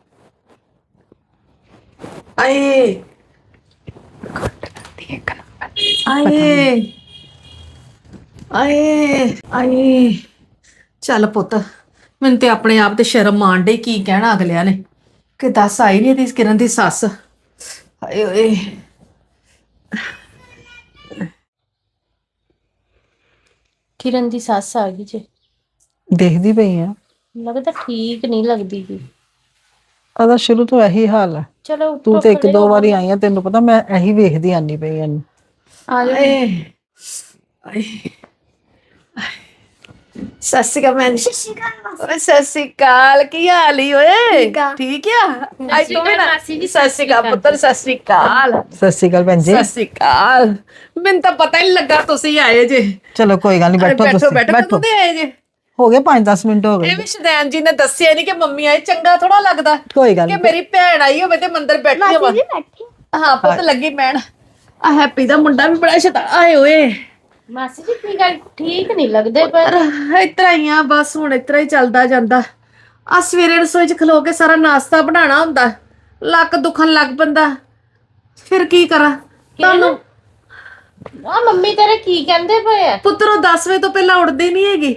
ਆਏ ਆਏ ਆਏ ਆਏ, ਚੱਲ ਪੁੱਤ, ਮੈਨੂੰ ਤੇ ਆਪਣੇ ਆਪ ਤੇ ਸ਼ਰਮ ਆਣ ਡਈ, ਕੀ ਕਹਿਣਾ ਅਗਲਿਆਂ ਨੇ ਕਿ ਦੱਸ ਆਈ ਨਹੀਂ ਇਹਦੀ ਕਿਰਨ ਦੀ ਸੱਸ। ਹਾਏ ਓਏ,
ਕਿਰਨ ਦੀ ਸੱਸ ਆ ਗਈ ਜੇ।
ਦੇਖਦੀ ਪਈ ਆ,
ਲੱਗਦਾ ਠੀਕ ਨਹੀਂ ਲੱਗਦੀ ਜੀ।
ਉਹਦਾ ਸ਼ੁਰੂ ਤੋਂ ਇਹੀ ਹਾਲ ਹੈ।
ਚਲੋ
ਤੂੰ ਤੇ ਇੱਕ ਦੋ ਵਾਰੀ ਆਈ ਆ, ਤੈਨੂੰ ਪਤਾ ਮੈਂ ਇਹੀ ਵੇਖਦੀ ਆਨੀ ਪਈ ਇਹਨੂੰ।
ਆ ਜਾਓ।
ਆਏ ਆਏ, ਸਤਿ ਸ਼੍ਰੀ ਅਕਾਲ ਭੈਣ ਜੀ। ਓਏ ਸਤਿ ਸ਼੍ਰੀ ਅਕਾਲ, ਕੀ ਹਾਲ ਈ ਓਏ? ਠੀਕ ਆ? ਅੱਜ ਤੋਂ ਨਾ ਸਤਿ ਸ਼੍ਰੀ ਅਕਾਲ ਪੁੱਤਰ, ਸਤਿ ਸ਼੍ਰੀ ਅਕਾਲ।
ਸਤਿ ਸ਼੍ਰੀ ਅਕਾਲ ਭੈਣ ਜੀ।
ਸਤਿ ਸ਼੍ਰੀ ਅਕਾਲ। ਮੈਨੂੰ ਤਾਂ ਪਤਾ ਹੀ ਨੀ ਲੱਗਾ ਤੁਸੀਂ ਆਏ ਜੇ।
ਚਲੋ ਕੋਈ ਗੱਲ ਨਹੀਂ, ਬੈਠੋ
ਬੈਠੋ
ਤੁਸੀਂ
ਬੈਠੋ,
ਬੈਠੋ।
ਕਦੋਂ ਦੇ ਆਏ ਜੇ?
ਹੋ ਗਏ 5-10 ਮਿੰਟ ਹੋ
ਇਹ
ਗਏ।
ਵੀ ਸ਼ਦੈਨ ਜੀ ਨੇ ਦੱਸਿਆ ਨਹੀਂ ਕਿ ਮੰਮੀ ਆਏ, ਚੰਗਾ ਥੋੜਾ ਲੱਗਦਾ
ਕੋਈ ਗੱਲ
ਕਿ
ਨਹੀਂ।
ਮੇਰੀ ਭੈਣ ਆਈ ਹੋਵੇ ਤੇ ਮੰਦਰ ਬੈਠੀ ਹੋਵੇ। ਹਾਂ ਪੁੱਤ ਲੱਗੀ ਭੈਣ। ਆ ਹੈਪੀ ਦਾ ਮੁੰਡਾ ਵੀ ਬੜਾ ਸ਼ੈਤਾਨ ਆਏ ਓਏ।
ਮਾਸੀ ਜੀ ਕੀ ਗੱਲ ਠੀਕ ਨਹੀਂ ਲੱਗਦੇ ਪਰ
ਇਤਰਾ ਹੀ ਆ ਬਸ, ਹੁਣ ਇਤਰਾ ਹੀ ਚੱਲਦਾ ਜਾਂਦਾ। ਆ ਸਵੇਰੇ ਰਸੋਈ 'ਚ ਖਲੋ ਕੇ ਸਾਰਾ ਨਾਸ਼ਤਾ ਬਣਾਉਣਾ ਹੁੰਦਾ, ਲੱਕ ਦੁਖਣ ਲੱਗ ਪੈਂਦਾ। ਫਿਰ ਕੀ ਕਰਾਂ ਤੁਹਾਨੂੰ?
ਆ ਮੰਮੀ ਤੇਰੇ ਕੀ ਕਹਿੰਦੇ ਪਏ ਆ?
ਪੁੱਤਰੋ 10 ਵਜੇ ਤੋਂ ਪਹਿਲਾਂ ਉੱਠਦੀ ਨਹੀਂ ਹੈਗੀ।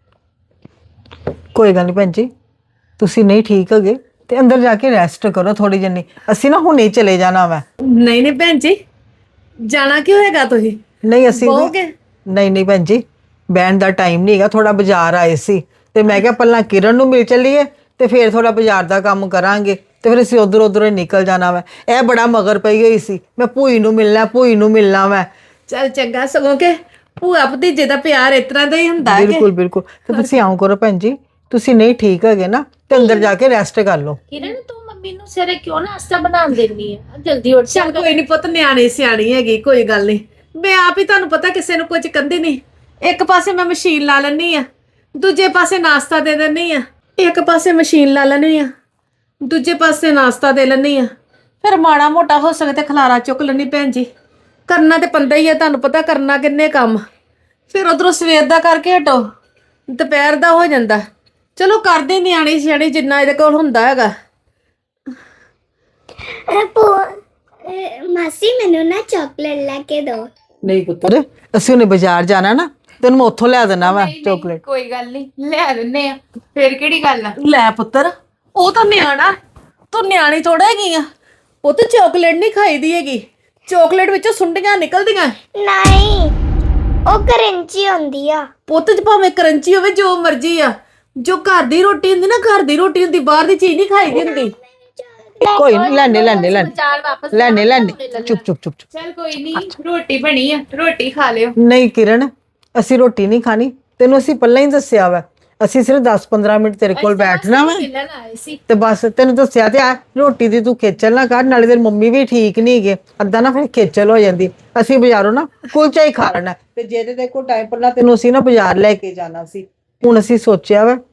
ਕੋਈ ਗੱਲ ਨਹੀਂ ਭੈਣ ਜੀ, ਤੁਸੀਂ ਨਹੀਂ ਠੀਕ ਹੈਗੇ ਤੇ ਅੰਦਰ ਜਾ ਕੇ ਰੈਸਟ ਕਰੋ ਥੋੜੀ ਜਿੰਨੀ। ਅਸੀਂ ਨਾ ਹੁਣੇ ਚਲੇ ਜਾਣਾ ਵਾ।
ਨਹੀਂ ਨਹੀਂ ਭੈਣ ਜੀ, ਜਾਣਾ ਕਿਉਂ ਹੈਗਾ ਤੁਸੀਂ?
ਨਹੀਂ ਅਸੀਂ
ਬਹੋਗੇ?
ਨਹੀਂ ਭੈਣ ਜੀ, ਬਹਿਣ ਦਾ ਟਾਈਮ ਨਹੀਂ ਹੈਗਾ, ਥੋੜਾ ਬਾਜ਼ਾਰ ਆਏ ਸੀ ਤੇ ਮੈਂ ਕਿਹਾ ਪਹਿਲਾਂ ਕਿਰਨ ਨੂੰ ਮਿਲ ਚੱਲੀਏ ਤੇ ਫਿਰ ਥੋੜਾ ਬਾਜ਼ਾਰ ਦਾ ਕੰਮ ਕਰਾਂਗੇ ਤੇ ਫਿਰ ਅਸੀਂ ਉਧਰ ਹੀ ਨਿਕਲ ਜਾਣਾ ਵਾ। ਇਹ ਬੜਾ ਮਗਰ ਪਈ ਹੋਈ ਸੀ, ਮੈਂ ਭੂਈ ਨੂੰ ਮਿਲਣਾ ਵਾ।
ਚੱਲ ਚੰਗਾ, ਸਗੋਂ ਕਿ ਭੂਆ ਭਤੀਜੇ ਦਾ ਪਿਆਰ ਇਸ ਤਰ੍ਹਾਂ ਦਾ ਹੀ ਹੁੰਦਾ ਹੈ ਕਿ
ਬਿਲਕੁਲ ਤੇ ਤੁਸੀਂ ਆਉਂ ਕਰੋ ਭੈਣ ਜੀ, ਤੁਸੀਂ ਨਹੀਂ ਠੀਕ ਹੈਗੇ ਨਾ ਤੇ ਅੰਦਰ ਜਾ ਕੇ ਰੈਸਟ ਕਰ ਲਓ।
ਕਿਰਨ ਤੂੰ ਮੰਮੀ ਨੂੰ ਸਵੇਰੇ ਕਿਉਂ ਨਾਸ਼ਤਾ ਬਣਾਉਣ ਦਿੰਦੀ ਆ? ਜਲਦੀ ਉੱਠ
ਚੱਲ ਕੋਈ ਨਹੀਂ ਪੁੱਤ, ਨਿਆਣੀ ਸਿਆਣੀ ਹੈਗੀ, ਕੋਈ ਗੱਲ ਨਹੀਂ। ਮੈਂ ਆਪ ਹੀ ਤੁਹਾਨੂੰ ਪਤਾ ਕਿਸੇ ਨੂੰ ਕੁਝ ਕਹਿੰਦੀ ਨਹੀਂ। ਇੱਕ ਪਾਸੇ ਮੈਂ ਮਸ਼ੀਨ ਲਾ ਲੈਣੀ ਆ, ਦੂਜੇ ਪਾਸੇ ਨਾਸ਼ਤਾ ਦੇ ਦਿੰਦੀ ਆ। ਇੱਕ ਪਾਸੇ ਮਸ਼ੀਨ ਲਾ ਲੈਣੀ ਆ, ਦੂਜੇ ਪਾਸੇ ਨਾਸ਼ਤਾ ਦੇ ਲੈਣੀ ਆ। ਫਿਰ ਮਾੜਾ ਮੋਟਾ ਹੋ ਸਕੇ ਤੇ ਖਲਾਰਾ ਚੁੱਕ ਲੈਣੀ ਭੈਣ ਜੀ। ਕਰਨਾ ਤੇ ਪੰਦਾ ਹੀ ਆ, ਤੁਹਾਨੂੰ ਪਤਾ ਕਰਨਾ ਕਿੰਨੇ ਕੰਮ। ਫਿਰ ਉਧਰੋਂ ਸਵੇਰ ਦਾ ਕਰਕੇ ਹਟੋ, ਦੁਪਹਿਰ ਦਾ ਹੋ ਜਾਂਦਾ। ਚਲੋ ਕਰਦੇ ਨਿਆਣੀ ਸਿਆਣੀ ਜਿੰਨਾ ਇਹਦੇ ਕੋਲ ਹੁੰਦਾ ਹੈਗਾ।
ਮਾਸੀ ਮੈਨੂੰ ਨਾ ਚਾਕਲੇਟ ਲੈ ਕੇ ਦੋ।
ਨਹੀਂ ਪੁੱਤਰ, ਅਸੀਂ ਉਹਨੇ ਬਾਜ਼ਾਰ ਜਾਣਾ ਨਾ, ਤੈਨੂੰ ਮੈਂ ਉੱਥੋਂ ਲਿਆ ਦੇਣਾ ਵਾ ਚਾਕਲੇਟ।
ਕੋਈ ਗੱਲ ਨਹੀਂ, ਲੈ ਦਿੰਨੇ ਆ। ਫਿਰ ਕਿਹੜੀ ਗੱਲ ਆ?
ਲੈ ਪੁੱਤਰ, ਉਹ ਤਾਂ ਨਿਆਣਾ, ਤੂੰ ਨਿਆਣੀ ਥੋੜਾ ਹੈਗੀ ਆ। ਉਹ ਤਾਂ ਚਾਕਲੇਟ ਨਹੀਂ ਖਾਈਦੀ ਹੈਗੀ, ਚਾਕਲੇਟ ਵਿੱਚੋਂ ਸੁੰਡੀਆਂ ਨਿਕਲਦੀਆਂ।
ਨਹੀਂ, ਉਹ ਕਰੰਚੀ ਹੁੰਦੀ ਆ।
ਪੁੱਤ ਚ ਭਾਵੇਂ ਕਰੰਚੀ ਹੋਵੇ, ਜੋ ਮਰਜ਼ੀ ਆ। ਜੋ ਘਰ ਦੀ ਰੋਟੀ ਹੁੰਦੀ ਨਾ, ਘਰ ਦੀ ਰੋਟੀ ਹੁੰਦੀ, ਬਾਹਰ ਦੀ ਚੀਜ਼ ਨਹੀਂ ਖਾਈਦੀ ਹੁੰਦੀ।
ਕੋਈ ਨਹੀਂ, ਲੈਣੇ
ਚਾਰ ਵਾਪਸ
ਚੁੱਪ।
ਚੱਲ ਕੋਈ ਨਹੀਂ, ਰੋਟੀ ਬਣੀ ਆ, ਰੋਟੀ ਖਾ ਲਿਓ।
ਨਹੀਂ ਕਿਰਨ, ਅਸੀਂ ਰੋਟੀ ਨਹੀਂ ਖਾਣੀ, ਤੈਨੂੰ ਅਸੀਂ ਪਹਿਲਾਂ ਹੀ ਦੱਸਿਆ ਵਾ। ਅਸੀਂ ਸਿਰਫ 10-15 ਮਿੰਟ ਤੇਰੇ ਕੋਲ ਬੈਠਣਾ ਵਾ
ਮਿਲਣ ਆਏ ਸੀ।
ਤੇ ਬਸ ਤੈਨੂੰ ਦੱਸਿਆ ਤੇ ਆ। ਰੋਟੀ ਦੀ ਤੂੰ ਖੇਚਲ ਨਾ ਕਰ, ਨਾਲੇ ਤੇਰੀ ਮੰਮੀ ਵੀ ਠੀਕ ਨਹੀਂ ਹੈਗੇ, ਅੱਧਾ ਨਾ ਫਿਰ ਖੇਚਲ ਹੋ ਜਾਂਦੀ। ਅਸੀਂ ਬਾਜ਼ਾਰੋਂ ਨਾ ਕੁਲਚਾ ਹੀ ਖਾ ਲੈਣਾ ਤੇ ਜਿਹਦੇ ਤੇ ਕੋਈ ਟਾਈਮ ਪਹਿਲਾਂ ਤੈਨੂੰ ਅਸੀਂ ਨਾ ਬਾਜ਼ਾਰ ਲੈ ਕੇ ਜਾਣਾ ਸੀ। ਹੁਣ ਅਸੀਂ ਸੋਚਿਆ ਵਾ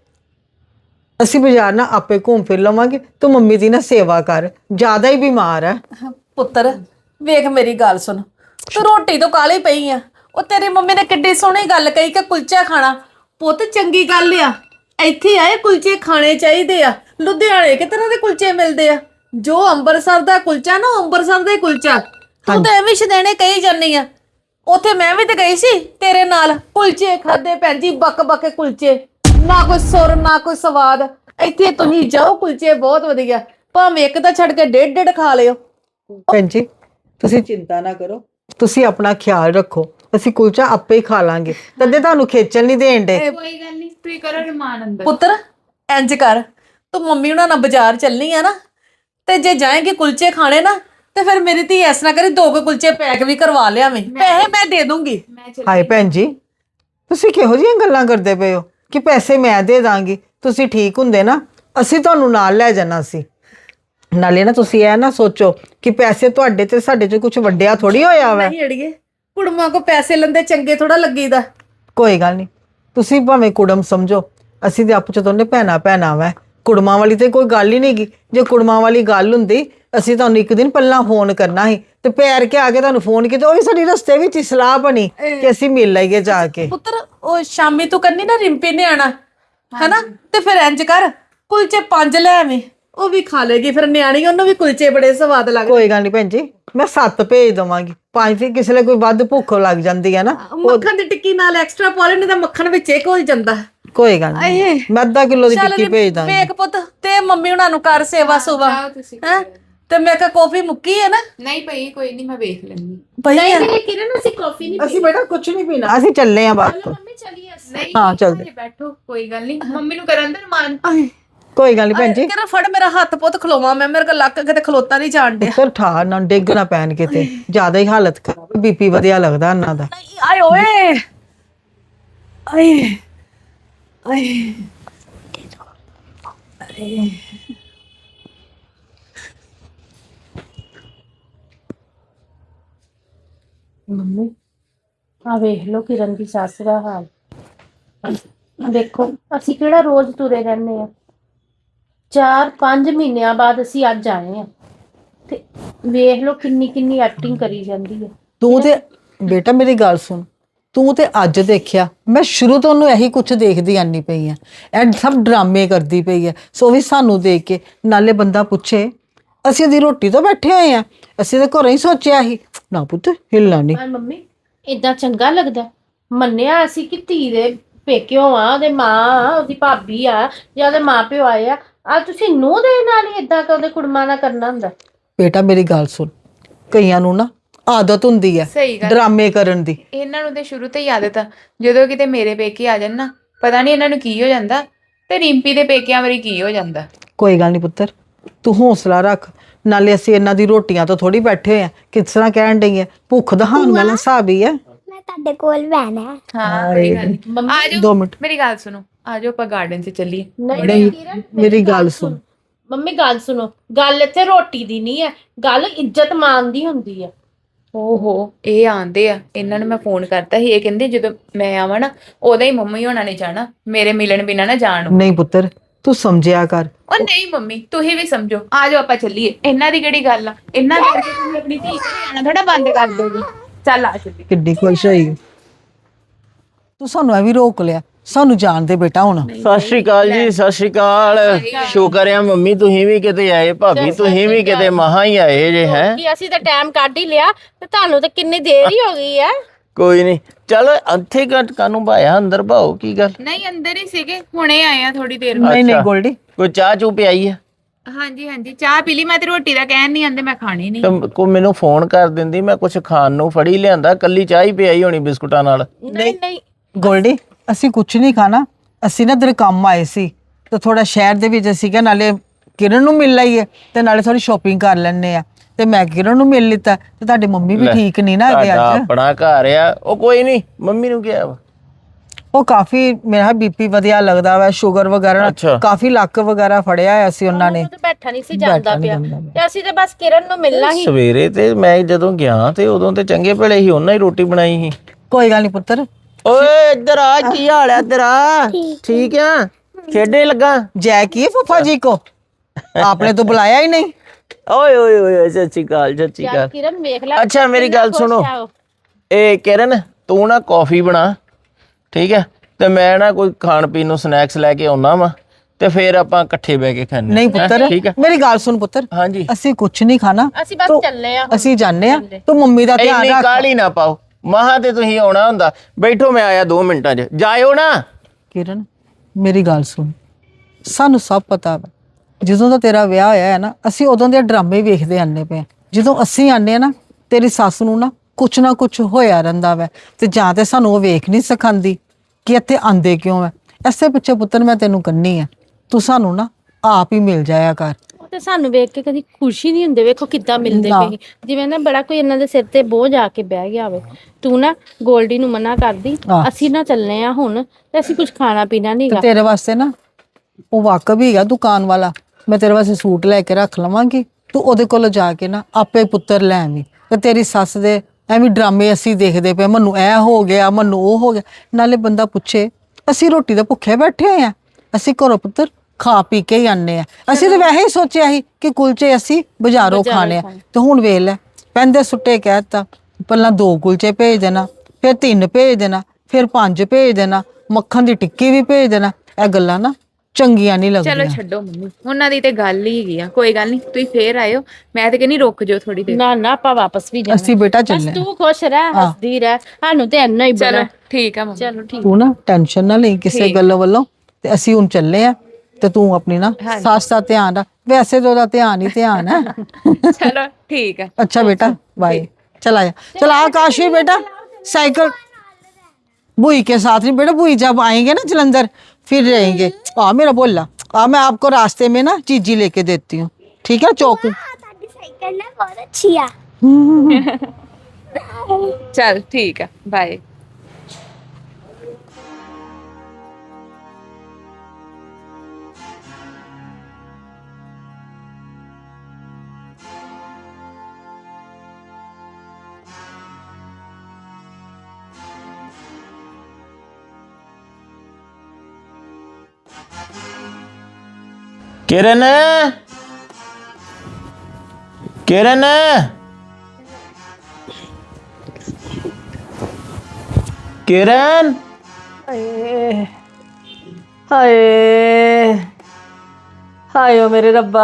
ਅਸੀਂ ਬਾਜ਼ਾਰ ਨਾ ਆਪੇ ਘੁੰਮ ਫਿਰ ਲਵਾਂਗੇ, ਤੂੰ ਮੰਮੀ ਦੀ ਨਾ ਸੇਵਾ ਕਰ, ਜ਼ਿਆਦਾ ਹੀ ਬਿਮਾਰ ਹੈ।
ਪੁੱਤਰ ਵੇਖ ਮੇਰੀ ਗੱਲ ਸੁਣ, ਤੂੰ ਰੋਟੀ ਤੋਂ ਕਾਲੀ ਪਈ ਆ। ਉਹ ਤੇਰੀ ਮੰਮੀ ਨੇ ਕਿੱਡੀ ਸੋਹਣੀ ਗੱਲ ਕਹੀ ਕਿ ਕੁਲਚਾ ਖਾਣਾ। ਪੁੱਤ ਚੰਗੀ ਗੱਲ ਆ, ਇੱਥੇ ਆਏ ਕੁਲਚੇ ਖਾਣੇ ਚਾਹੀਦੇ ਆ। ਲੁਧਿਆਣੇ ਕਿ ਤਰ੍ਹਾਂ ਦੇ ਕੁਲਚੇ ਮਿਲਦੇ ਆ। ਜੋ ਅੰਮ੍ਰਿਤਸਰ ਦਾ ਕੁਲਚਾ ਨਾ, ਅੰਮ੍ਰਿਤਸਰ ਦਾ ਹੀ ਕੁਲਚਾ। ਤੂੰ ਤਾਂ ਐਵੇਂ ਸ਼ਦੈਣੇ ਕਹੀ ਜਾਂਦੀ ਆ। ਉੱਥੇ ਮੈਂ ਵੀ ਤੇ ਗਈ ਸੀ ਤੇਰੇ ਨਾਲ, ਕੁਲਚੇ ਖਾਦੇ ਭੈਣ ਜੀ, ਬੱਕ ਕੇ ਕੁਲਚੇ, ਨਾ ਕੋਈ ਸੁਰ ਨਾ ਕੋਈ ਸਵਾਦ। ਇੱਥੇ ਤੁਸੀਂ ਜਾਓ, ਕੁਲਚੇ ਬਹੁਤ ਵਧੀਆ, ਭਾਵੇਂ ਇੱਕ ਤਾਂ ਛੱਡ ਕੇ ਡੇਢ ਖਾ ਲਿਓ।
ਭੈਣ ਜੀ ਤੁਸੀਂ ਚਿੰਤਾ ਨਾ ਕਰੋ, ਤੁਸੀਂ ਆਪਣਾ ਖਿਆਲ ਰੱਖੋ, ਅਸੀਂ ਕੁਲਚਾ ਆਪੇ ਹੀ ਖਾ ਲਾਂਗੇ, ਤਦੇ ਤੁਹਾਨੂੰ ਖੇਚਲ ਨਹੀਂ ਦੇਣ ਦੇ।
ਕੋਈ ਗੱਲ ਨਹੀਂ, ਤੁਸੀਂ ਕਰੋ ਰਮਾਨ ਅੰਦਰ।
ਪੁੱਤਰ ਇੰਜ ਕਰ, ਤੂੰ ਮੰਮੀ ਉਹਨਾਂ ਨਾਲ ਬਾਜ਼ਾਰ ਚੱਲਣੀ ਆ ਨਾ, ਤੇ ਜੇ ਜਾਏਂਗੇ ਕੁਲਚੇ ਖਾਣੇ ਨਾ, ਤੇ ਫਿਰ ਮੇਰੀ ਧੀ ਇਸ ਤਰ੍ਹਾਂ ਕਰੀ 2 ਕੁਲਚੇ ਪੈਕ ਵੀ ਕਰਵਾ ਲਿਆਵੇਂ, ਪੈਸੇ ਮੈਂ ਦੇ ਦੂੰਗੀ।
ਹਾਏ ਭੈਣ ਜੀ, ਤੁਸੀਂ ਕਿਹੋ ਜਿਹੀਆਂ ਗੱਲਾਂ ਕਰਦੇ ਪਏ ਹੋ ਕਿ ਪੈਸੇ ਮੈਂ ਦੇ ਦਾਂਗੀ। ਤੁਸੀਂ ਠੀਕ ਹੁੰਦੇ ਨਾ, ਅਸੀਂ ਤੁਹਾਨੂੰ ਨਾਲ ਲੈ ਜਾਣਾ ਸੀ। ਨਾਲੇ ਨਾ ਤੁਸੀਂ ਇਹ ਨਾ ਸੋਚੋ ਕਿ ਪੈਸੇ ਤੁਹਾਡੇ ਤੇ ਸਾਡੇ 'ਚ ਕੁਝ ਵੱਡਿਆ ਥੋੜੀ ਹੋਇਆ ਵਾ।
ਨਹੀਂ ਅੜੀਏ, ਕੁੜਮਾਂ ਕੋ ਪੈਸੇ ਲੰਦੇ ਚੰਗੇ ਥੋੜਾ ਲੱਗੀਦਾ।
ਕੋਈ ਗੱਲ ਨਹੀਂ, ਤੁਸੀਂ ਭਾਵੇਂ ਕੁੜਮ ਸਮਝੋ, ਅਸੀਂ ਤੇ ਆਪਸ 'ਚ ਦੋਨੇ ਭੈਣਾਂ ਵਾ। ਕੁੜਮਾਂ ਵਾਲੀ ਤੇ ਕੋਈ ਗੱਲ ਹੀ ਨਹੀਂ ਗੀ। ਜੇ ਕੁੜਮਾਂ ਵਾਲੀ ਗੱਲ ਹੁੰਦੀ, ਅਸੀਂ ਤੁਹਾਨੂੰ ਇੱਕ ਦਿਨ ਪਹਿਲਾਂ ਫੋਨ ਕਰਨਾ ਸੀ ਤੇ ਪੈਰ ਕੇ ਆ ਕੇ ਤੁਹਾਨੂੰ ਫੋਨ ਕੀਤਾ। ਉਹ ਵੀ ਸਾਡੀ ਰਸਤੇ ਵਿੱਚ ਹੀ ਸਲਾਹ ਬਣੀ ਕਿ ਅਸੀਂ ਮਿਲ ਲਈਏ ਜਾ ਕੇ।
ਪੁੱਤਰ ਉਹ ਸ਼ਾਮੀ ਤੂੰ ਕੰਨੀ ਨਾ ਰਿੰਪੀ ਨੇ ਆਣਾ ਹੈਨਾ, ਤੇ ਫਿਰ ਇੰਜ ਕਰ ਕੁਲਚੇ 5 ਲੈ ਆਵੇਂ, ਉਹ ਵੀ ਖਾ ਲੇਗੀ। ਫਿਰ ਨਿਆਣੀ, ਉਹਨੂੰ ਵੀ ਕੁਲਚੇ ਬੜੇ ਸਵਾਦ ਲੱਗਦੇ।
ਕੋਈ ਗੱਲ ਨਹੀਂ ਭੈਣ ਜੀ, ਮੈਂ 7 ਭੇਜ ਦਵਾਂਗੀ। 5 ਫਿਰ ਕਿਸੇ ਲਈ ਕੋਈ ਵੱਧ ਭੁੱਖ ਲੱਗ ਜਾਂਦੀ ਹੈ ਨਾ।
ਮੱਖਣ ਦੀ ਟਿੱਕੀ ਨਾਲ ਐਕਸਟਰਾ ਪਾ ਲੈਣੇ ਤਾਂ ਮੱਖਣ ਵਿੱਚ ਇੱਕ ਹੋ ਜਾਂਦਾ।
ਕੋਈ ਗੱਲ ਨਹੀਂ, ਮੈਂ ਅੱਧਾ ਕਿਲੋ ਦੀ ਟਿੱਕੀ ਭੇਜ ਦਾਂਗੀ।
ਵੇਖ ਪੁੱਤ, ਤੇ ਮੰਮੀ ਉਹਨਾਂ ਨੂੰ ਕਰ ਸੇਵਾ ਸੁਵਾ ਹੈ। ਤੇ ਮੈਂ ਕਿਹਾ ਕਾਫੀ ਮੁੱਕੀ ਹੈ ਨਾ?
ਨਹੀਂ ਪਈ, ਕੋਈ ਨਹੀਂ, ਮੈਂ ਵੇਖ ਲੈਂਦੀ।
ਪਈ ਆ।
ਨਹੀਂ ਕਿਰਨ ਅਸੀਂ ਕਾਫੀ ਨਹੀਂ
ਅਸੀਂ ਬੇਟਾ ਕੁਝ ਨਹੀਂ ਪੀਣਾ, ਅਸੀਂ ਚੱਲੇ ਆਂ ਬਸ।
ਮੰਮੀ ਚਲੀਏ ਅਸੀਂ।
ਨਹੀਂ
ਹਾਂ, ਚੱਲਦੇ।
ਹਜੇ ਬੈਠੋ, ਕੋਈ ਗੱਲ ਨਹੀਂ, ਮੰਮੀ ਨੂੰ ਕਰਨ ਦੇ ਰਮਾਨ।
ਕੋਈ ਗੱਲ ਨਹੀਂ ਭੈਣ ਜੀ,
ਕਿਹੜਾ ਫੜ ਮੇਰਾ ਹੱਥ ਪੁੱਤ, ਖਲੋਵਾ ਮੈਂ, ਮੇਰੇ ਕੋਲ ਲੱਕ ਕਿਤੇ ਖਲੋਤਾ ਨਹੀਂ ਜਾਣ ਡਿਆ।
ਸਰ ਠਾਰ ਨਾ ਡਿੱਗ ਨਾ ਪੈਣ ਕਿਤੇ, ਜ਼ਿਆਦਾ ਹੀ ਹਾਲਤ ਖਰਾਬ, ਬੀਪੀ ਵਧਿਆ ਲੱਗਦਾ ਇਹਨਾਂ ਦਾ।
ਆਏ ਓਏ, ਆਏ
ਮੰਮੀ ਆ ਵੇਖ ਲਓ ਕਿਰਨ ਦੀ ਸੱਸ ਦਾ ਹਾਲ। ਦੇਖੋ ਅਸੀਂ ਕਿਹੜਾ ਰੋਜ਼ ਤੁਰੇ ਰਹਿੰਦੇ ਆ, 4-5 ਮਹੀਨਿਆਂ ਬਾਅਦ ਅਸੀਂ ਅੱਜ ਆਏ ਆ ਤੇ ਵੇਖ ਲਓ ਕਿੰਨੀ ਕਿੰਨੀ ਐਕਟਿੰਗ ਕਰੀ ਜਾਂਦੀ ਹੈ।
ਤੂੰ ਤੇ ਬੇਟਾ ਮੇਰੀ ਗੱਲ ਸੁਣ, ਤੂੰ ਤੇ ਅੱਜ ਦੇਖਿਆ, ਮੈਂ ਸ਼ੁਰੂ ਤੋਂ ਉਹਨੂੰ ਇਹੀ ਕੁਝ ਦੇਖਦੀ ਆਨੀ ਪਈ ਆ, ਇਹ ਸਭ ਡਰਾਮੇ ਕਰਦੀ ਪਈ ਹੈ। ਸੋ ਵੀ ਸਾਨੂੰ ਦੇਖ ਕੇ ਨਾਲੇ ਬੰਦਾ ਪੁੱਛੇ ਅਸੀਂ ਉਹਦੀ ਰੋਟੀ ਤੋਂ ਬੈਠੇ ਹੋਏ ਆ, ਅਸੀਂ ਤਾਂ ਘਰੋਂ ਹੀ ਸੋਚਿਆ ਸੀ ਨਾ ਪੁੱਤ ਹਿੱਲਣਾ ਨਹੀਂ।
ਹਾਂ ਮੰਮੀ ਇਦਾਂ ਚੰਗਾ ਲੱਗਦਾ? ਮੰਨਿਆ ਅਸੀਂ ਕਿ ਧੀ ਦੇ ਪੇਕਿਓ ਆ, ਉਹਦੇ ਮਾਂ ਆ, ਉਹਦੀ ਭਾਬੀ ਆ ਜਾਂ ਉਹਦੇ ਮਾਂ ਪਿਓ ਆਏ ਆ, ਆ ਤੁਸੀਂ ਨੂੰਹ ਦੇ ਨਾਲ ਹੀ ਇਦਾਂ ਉਹਦੇ ਕੁੜਮਾ ਨਾਲ ਕਰਨਾ ਹੁੰਦਾ?
ਬੇਟਾ ਮੇਰੀ ਗੱਲ ਸੁਣ, ਕਈਆਂ ਨੂੰ ਨਾ ਆਦਤ ਹੁੰਦੀ ਹੈ
ਸਹੀ ਗੱਲ।
ਡਰਾਮੇ ਕਰਨ ਦੀ।
ਇਹਨਾਂ ਨੂੰ ਤੇ ਸ਼ੁਰੂ ਤੋਂ ਹੀ ਆਦਤ ਆ, ਜਦੋਂ ਕਿਤੇ ਮੇਰੇ ਪੇਕੇ ਆ ਜਾਣ ਨਾ, ਪਤਾ ਨਹੀਂ ਇਹਨਾਂ ਨੂੰ ਕੀ ਹੋ ਜਾਂਦਾ ਤੇ ਰਿੰਪੀ ਦੇ ਪੇਕਿਆਂ ਵਾਰੀ ਕੀ ਹੋ ਜਾਂਦਾ।
ਕੋਈ ਗੱਲ ਨਹੀਂ ਪੁੱਤਰ, ਤੂੰ ਹੌਸਲਾ ਰੱਖ। ਨਾਲੇ ਅਸੀਂ ਇਹਨਾਂ ਦੀ ਰੋਟੀਆਂ ਤੋਂ ਥੋੜੀ ਬੈਠੇ ਹੋਏ ਆ, ਕਿਸ ਤਰ੍ਹਾਂ ਕਹਿਣ ਡਈ ਹੈ, ਭੁੱਖ ਦਹਾਉਣ ਵਾਲਾ ਹਿਸਾਬ ਹੀ ਹੈ।
ਮੈਂ ਤੁਹਾਡੇ ਕੋਲ ਬਹਿਣਾ ਹੈ।
ਹਾਂ ਕੋਈ ਗੱਲ ਨਹੀਂ।
ਮੰਮੀ
ਆ ਜਾਓ,
2 ਮਿੰਟ
ਮੇਰੀ ਗੱਲ ਸੁਣੋ, ਆ ਜਾਓ ਆਪਾਂ ਗਾਰਡਨ 'ਚ ਚੱਲੀਏ।
ਨਹੀਂ ਕਿਰਨ,
ਮੇਰੀ ਗੱਲ ਸੁਣ।
ਮੰਮੀ ਗੱਲ ਸੁਣੋ, ਗੱਲ ਇੱਥੇ ਰੋਟੀ ਦੀ ਨਹੀਂ ਹੈ, ਗੱਲ ਇੱਜ਼ਤ ਮਾਨ ਦੀ ਹੁੰਦੀ ਹੈ।
ਓਹੋ ਇਹ ਆਂਦੇ ਆ, ਇਹਨਾਂ ਨੂੰ ਮੈਂ ਫੋਨ ਕਰਤਾ ਸੀ, ਇਹ ਕਹਿੰਦੇ ਜਦੋਂ ਮੈਂ ਆਵਾਂ ਨਾ ਉਦੋਂ ਹੀ ਮੰਮੀ ਹੋਣਾ ਨੇ ਜਾਣਾ, ਮੇਰੇ ਮਿਲਣ ਬਿਨਾ ਨਾ ਜਾਣ।
ਨਹੀਂ ਪੁੱਤਰ ਤੂੰ ਸਮਝਿਆ ਕਰ।
ਉਹ ਨਹੀਂ ਮੰਮੀ ਤੁਸੀਂ ਵੀ ਸਮਝੋ, ਆ ਜਾਓ ਆਪਾਂ ਚੱਲੀਏ। ਇਹਨਾਂ ਦੀ ਕਿਹੜੀ ਗੱਲ ਆ, ਇਹਨਾਂ ਕਰਕੇ ਤੁਸੀਂ ਆਪਣੀ ਧੀ ਘਰੇ ਆਣਾ ਥੋੜਾ ਬੰਦ ਕਰ ਦੋਗੇ। ਚੱਲ ਆ ਚੱਲੀਏ।
ਕਿੱਡੀ ਖੁਸ਼ ਹੋਈ ਤੂੰ, ਸਾਨੂੰ ਐ ਵੀ ਰੋਕ ਲਿਆ। ਸਾਨੂੰ ਜਾਣ ਦੇ ਬੇਟਾ ਹੁਣ।
ਸਤਿ ਸ਼੍ਰੀ ਅਕਾਲ ਜੀ, ਸਤਿ ਸ਼੍ਰੀ ਅਕਾਲ। ਸ਼ੁਕਰ ਆ ਮੰਮੀ ਤੁਸੀਂ ਵੀ ਕਿਤੇ ਆਏ, ਭਾਬੀ ਤੁਸੀਂ ਵੀ ਕਿਤੇ ਮਹਾ ਹੀ ਆਏ ਜੇ। ਹੈ
ਕਿ ਅਸੀਂ ਤਾਂ ਟਾਈਮ ਕੱਢ ਹੀ ਲਿਆ ਤੇ ਤੁਹਾਨੂੰ ਤਾਂ ਕਿੰਨੀ ਦੇਰ ਹੀ ਹੋ ਗਈ ਹੈ।
ਕੋਈ ਨਹੀਂ, ਚਲ ਇੱਥੇ ਕਾਨੂੰ ਭਾਇਆ, ਅੰਦਰ ਭਾਓ। ਕੀ ਗੱਲ?
ਨਹੀਂ ਅੰਦਰ ਹੀ ਸੀਗੇ, ਹੁਣੇ ਆਏ ਆ ਥੋੜੀ ਦੇਰ।
ਨਹੀਂ ਨਹੀਂ ਗੋਲਡੀ,
ਕੋਈ ਚਾਹ ਚੂ ਪਿਆਈ ਆ?
ਹਾਂਜੀ ਹਾਂਜੀ ਚਾਹ ਪੀ ਲਈ ਮੈਂ, ਤੇ ਰੋਟੀ ਦਾ ਕਹਿਣ ਨਹੀਂ ਆਂਦੇ, ਮੈਂ ਖਾਣੀ ਨਹੀਂ।
ਤੇ ਕੋ ਮੈਨੂੰ ਫੋਨ ਕਰ ਦਿੰਦੀ, ਮੈਂ ਕੁਝ ਖਾਣ ਨੂੰ ਫੜੀ ਲਿਆਂਦਾ। ਕੱਲੀ ਚਾਹ ਹੀ ਪਿਆਈ ਹੋਣੀ ਬਿਸਕੁਟਾਂ ਨਾਲ।
ਨਹੀਂ ਨਹੀਂ
ਗੋਲਡੀ ਅਸੀਂ ਕੁਝ ਨਹੀਂ ਖਾਣਾ, ਅਸੀਂ ਨਾ ਤੇਰੇ ਕੰਮ ਆਏ ਸੀ ਤੇ ਥੋੜਾ ਸ਼ਹਿਰ ਦੇ ਵਿੱਚ ਅਸੀਂ ਕਿਹਾ ਨਾਲੇ ਕਿਰਨ ਨੂੰ ਮਿਲ ਲਈਏ ਤੇ ਨਾਲੇ ਥੋੜੀ ਸ਼ਾਪਿੰਗ ਕਰ ਲੈਣੇ ਆ। ਤੇ ਮੈਂ ਕਿਰਨ ਨੂੰ ਮਿਲ ਲਿੱਤਾ ਤੇ ਤੁਹਾਡੀ ਮੰਮੀ ਵੀ ਠੀਕ ਨਹੀਂ ਨਾ ਹੈਗੇ
ਤੁਹਾਡਾ
ਅੱਜ।
ਆਪਣਾ ਘਰ ਆ। ਉਹ ਕੋਈ ਨਹੀਂ, ਮੰਮੀ ਨੂੰ ਕਿਹਾ ਵਾ?
ਉਹ ਕਾਫੀ ਮੇਰਾ ਬੀਪੀ ਵਧਿਆ ਲੱਗਦਾ ਵਾ, ਸ਼ੂਗਰ ਵਗੈਰਾ
ਅੱਛਾ।
ਕਾਫੀ ਲੱਕ ਵਗੈਰਾ ਫੜਿਆ ਹੋਇਆ ਸੀ ਉਹਨਾਂ ਨੇ।
ਉਹ ਤਾਂ ਬੈਠਾ ਨਹੀਂ ਸੀ ਜਾਂਦਾ ਪਿਆ ਤੇ ਅਸੀਂ ਤਾਂ ਬਸ ਕਿਰਨ ਨੂੰ ਮਿਲਣਾ ਹੀ।
ਸਵੇਰੇ ਤੇ ਮੈਂ ਜਦੋਂ ਗਿਆ ਤੇ ਉਦੋਂ ਤੇ ਚੰਗੇ ਭਲੇ ਹੀ, ਉਹਨਾਂ ਹੀ ਰੋਟੀ ਬਣਾਈ ਸੀ।
ਕੋਈ ਗੱਲ ਨਹੀਂ ਪੁੱਤਰ।
ਓਏ ਇੱਧਰ ਆ, ਕੀ ਹਾਲ ਹੈ ਤੇਰਾ? ਠੀਕ ਆ? ਖੇਡੇ ਲੱਗਾ?
जय की फूफा जी को आपने तो बुलाया ही नहीं।
ਓਏ ਓਏ ਓਏ ਸਤਿ ਸ਼੍ਰੀ ਅਕਾਲ, ਸਤਿ ਸ਼੍ਰੀ
ਯਾਰ
ਅਕਾਲ।
ਕਿਰਨ ਵੇਖ ਲੈ।
ਅੱਛਾ ਮੇਰੀ ਗੱਲ ਸੁਣੋ, ਇਹ ਕਿਰਨ ਤੂੰ ਨਾ ਕੌਫੀ ਬਣਾ, ਠੀਕ ਹੈ? ਤੇ ਮੈਂ ਨਾ ਕੋਈ ਖਾਣ ਪੀਣ ਨੂੰ ਸਨੈਕਸ ਲੈ ਕੇ ਆਉਣਾ ਵਾ, ਤੇ ਫਿਰ ਆਪਾਂ ਇਕੱਠੇ ਬਹਿ ਕੇ ਖਾਣੇ।
नहीं पुत्र
ठीक है।
मेरी गाल सुन पुत्र,
ਹਾਂਜੀ।
ਅਸੀਂ ਕੁਛ ਨਹੀਂ ਖਾਣਾ,
ਅਸੀਂ ਬਸ
तो
ਚੱਲੇ ਆ।
ਅਸੀਂ ਜਾਣੇ ਆ। ਤੂੰ ਮੰਮੀ ਦਾ ਧਿਆਨ
ਇੰਨੀ
ਰੱਖ।
ਕਾਹਲੀ ਨਾ ਪਾਓ, ਮਹਾ ਤੇ ਤੁਸੀਂ ਆਉਣਾ ਹੁੰਦਾ। ਬੈਠੋ, ਮੈਂ ਆਇਆ 2 ਮਿੰਟਾਂ 'ਚ। ਜਾਇਓ ਨਾ।
ਕਿਰਨ ਮੇਰੀ ਗੱਲ ਸੁਣ, ਸਾਨੂੰ ਸਭ ਪਤਾ ਵਾ ਜਦੋਂ ਦਾ ਤੇਰਾ ਵਿਆਹ ਹੋਇਆ ਹੈ ਨਾ, ਅਸੀਂ ਉਦੋਂ ਦੇ ਡਰਾਮੇ ਵੇਖਦੇ ਆਨੇ ਪਏ। ਜਦੋਂ ਅਸੀਂ ਆਨੇ ਆ ਨਾ, ਤੇਰੀ ਸੱਸ ਨੂੰ ਨਾ ਕੁਛ ਹੋਇਆ ਰਹਿੰਦਾ ਵਾ, ਤੇ ਜਾਂ ਤੇ ਸਾਨੂੰ ਉਹ ਵੇਖ ਨਹੀਂ ਸਿਖਾਉਂਦੀ ਕਿ ਇੱਥੇ ਆਂਦੇ ਕਿਉਂ ਹੈ। ਐਸੇ ਪਿੱਛੇ ਪੁੱਤਰ ਮੈਂ ਤੈਨੂੰ ਕੰਨੀ ਆ, ਤੂੰ ਸਾਨੂੰ ਨਾ ਆਪ ਹੀ ਮਿਲ ਜਾਇਆ ਕਰ।
ਉਹ ਤੇ ਸਾਨੂੰ ਵੇਖ ਕੇ ਕਦੀ ਖੁਸ਼ੀ ਨਹੀਂ ਹੁੰਦੇ। ਵੇਖੋ ਕਿੱਦਾਂ ਮਿਲਦੇ
ਨਾ।
ਪਏ, ਜਿਵੇਂ ਨਾ ਬੜਾ ਕੋਈ ਇਹਨਾਂ ਦੇ ਸਿਰ ਤੇ ਬੋਝ ਆ ਕੇ ਬਹਿ ਗਿਆ ਹੋਵੇ। ਤੂੰ ਨਾ ਗੋਲਡੀ ਨੂੰ ਮਨਾ ਕਰਦੀ,
ਹਾਂ।
ਅਸੀਂ ਨਾ ਚੱਲਨੇ ਆ ਹੁਣ ਤੇ ਅਸੀਂ ਕੁਝ ਖਾਣਾ ਪੀਣਾ
ਤੇ
ਨਹੀਂਗਾ।
ਤੇਰੇ ਵਾਸਤੇ ਨਾ ਉਹ ਵਾਕਬ ਹੀ ਹੈਗਾ ਦੁਕਾਨ ਵਾਲਾ, ਮੈਂ ਤੇਰੇ ਵਾਸਤੇ ਸੂਟ ਲੈ ਕੇ ਰੱਖ ਲਵਾਂਗੀ। ਤੂੰ ਉਹਦੇ ਕੋਲ ਜਾ ਕੇ ਨਾ ਆਪੇ ਪੁੱਤਰ ਲੈ ਆਵੀਂ। ਤੇ ਤੇਰੀ ਸੱਸ ਦੇ ਐਵੇਂ ਡਰਾਮੇ ਅਸੀਂ ਦੇਖਦੇ ਪਏ, ਮੈਨੂੰ ਇਹ ਹੋ ਗਿਆ, ਮੈਨੂੰ ਉਹ ਹੋ ਗਿਆ। ਨਾਲੇ ਬੰਦਾ ਪੁੱਛੇ, ਅਸੀਂ ਰੋਟੀ ਦੇ ਭੁੱਖੇ ਬੈਠੇ ਹੋਏ ਆ, ਅਸੀਂ ਘਰੋਂ ਪੁੱਤਰ ਖਾ ਪੀ ਕੇ ਹੀ ਆਨੇ ਆ। ਅਸੀਂ ਤਾਂ ਵੈਸੇ ਹੀ ਸੋਚਿਆ ਸੀ ਕਿ ਕੁਲਚੇ ਅਸੀਂ ਬਾਜ਼ਾਰੋਂ ਖਾਣੇ ਆ, ਤੇ ਹੁਣ ਵੇਖ ਲੈ ਪੈਂਦੇ ਸੁੱਟੇ ਕਹਿਤਾ। ਪਹਿਲਾਂ 2 ਕੁਲਚੇ ਭੇਜ ਦੇਣਾ, ਫਿਰ 3 ਭੇਜ ਦੇਣਾ, ਫਿਰ 5 ਭੇਜ ਦੇਣਾ, ਮੱਖਣ ਦੀ ਟਿੱਕੀ ਵੀ ਭੇਜ ਦੇਣਾ। ਇਹ ਗੱਲਾਂ ਨਾ ਚੰਗੀਆਂ ਨਹੀਂ
ਚਲੋ
ਲੱਗਦੀਆਂ।
ਛੱਡੋ ਮੰਮੀ, ਉਹਨਾਂ ਦੀ ਤੇ ਗੱਲ ਹੀ ਹੈਗੀ ਆ। ਕੋਈ ਗੱਲ ਨਹੀਂ, ਤੁਸੀਂ ਫੇਰ ਆਇਓ। ਮੈਂ ਤੇ ਕਹਿੰਦੀ ਰੁਕ ਜਾਓ ਥੋੜੀ ਦੇਰ।
ਨਾ ਨਾ ਆਪਾਂ ਵਾਪਸ ਵੀ ਜਾਣਾ।
ਅਸੀਂ ਬੇਟਾ
ਬਸ
ਚੱਲੇ
ਤੂੰ ਖੁਸ਼ ਰਹਿ, ਹੱਸਦੀ ਰਹਿ, ਸਾਨੂੰ ਤੇ ਇੰਨਾ ਹੀ
ਚਲੋ
ਬੜਾ।
ਠੀਕ ਆ ਮੰਮੀ।
ਚਲੋ ਠੀਕ।
ਤੂੰ ਨਾ ਟੈਨਸ਼ਨ ਨਾ ਲਈ ਕਿਸੇ ਗੱਲ ਵੱਲੋਂ, ਤੇ ਅਸੀਂ ਹੁਣ ਚੱਲੇ ਆ। ਤੇ ਤੂੰ ਆਪਣੀ ਨਾ ਸੱਸ ਦਾ ਧਿਆਨ ਰੱਖ, ਵੈਸੇ ਤਾਂ ਉਹਦਾ ਧਿਆਨ ਹੀ ਧਿਆਨ ਹੈ।
ਚਲੋ ठीक है।
अच्छा बेटा बाय। चला जा, चला आकाशी बेटा साइकिल बुई के साथ नहीं बेटा, बुई जब आएंगे ना जलंधर फिर रहेंगे। मेरा बोला मैं आपको रास्ते में ना चीजी लेके देती हूँ, ठीक है? चौक
ਤੁਹਾਡੀ ਸਾਈਕਲ ਨਾ ਬਹੁਤ ਅੱਛੀ ਆ।
चल ठीक है, बाय।
ਕਿਰਨ ਕਿਰਨ ਕਿਰਨ
ਹਾਏ ਹਾਏ ਹਾਏ ਓ ਮੇਰੇ ਰੱਬਾ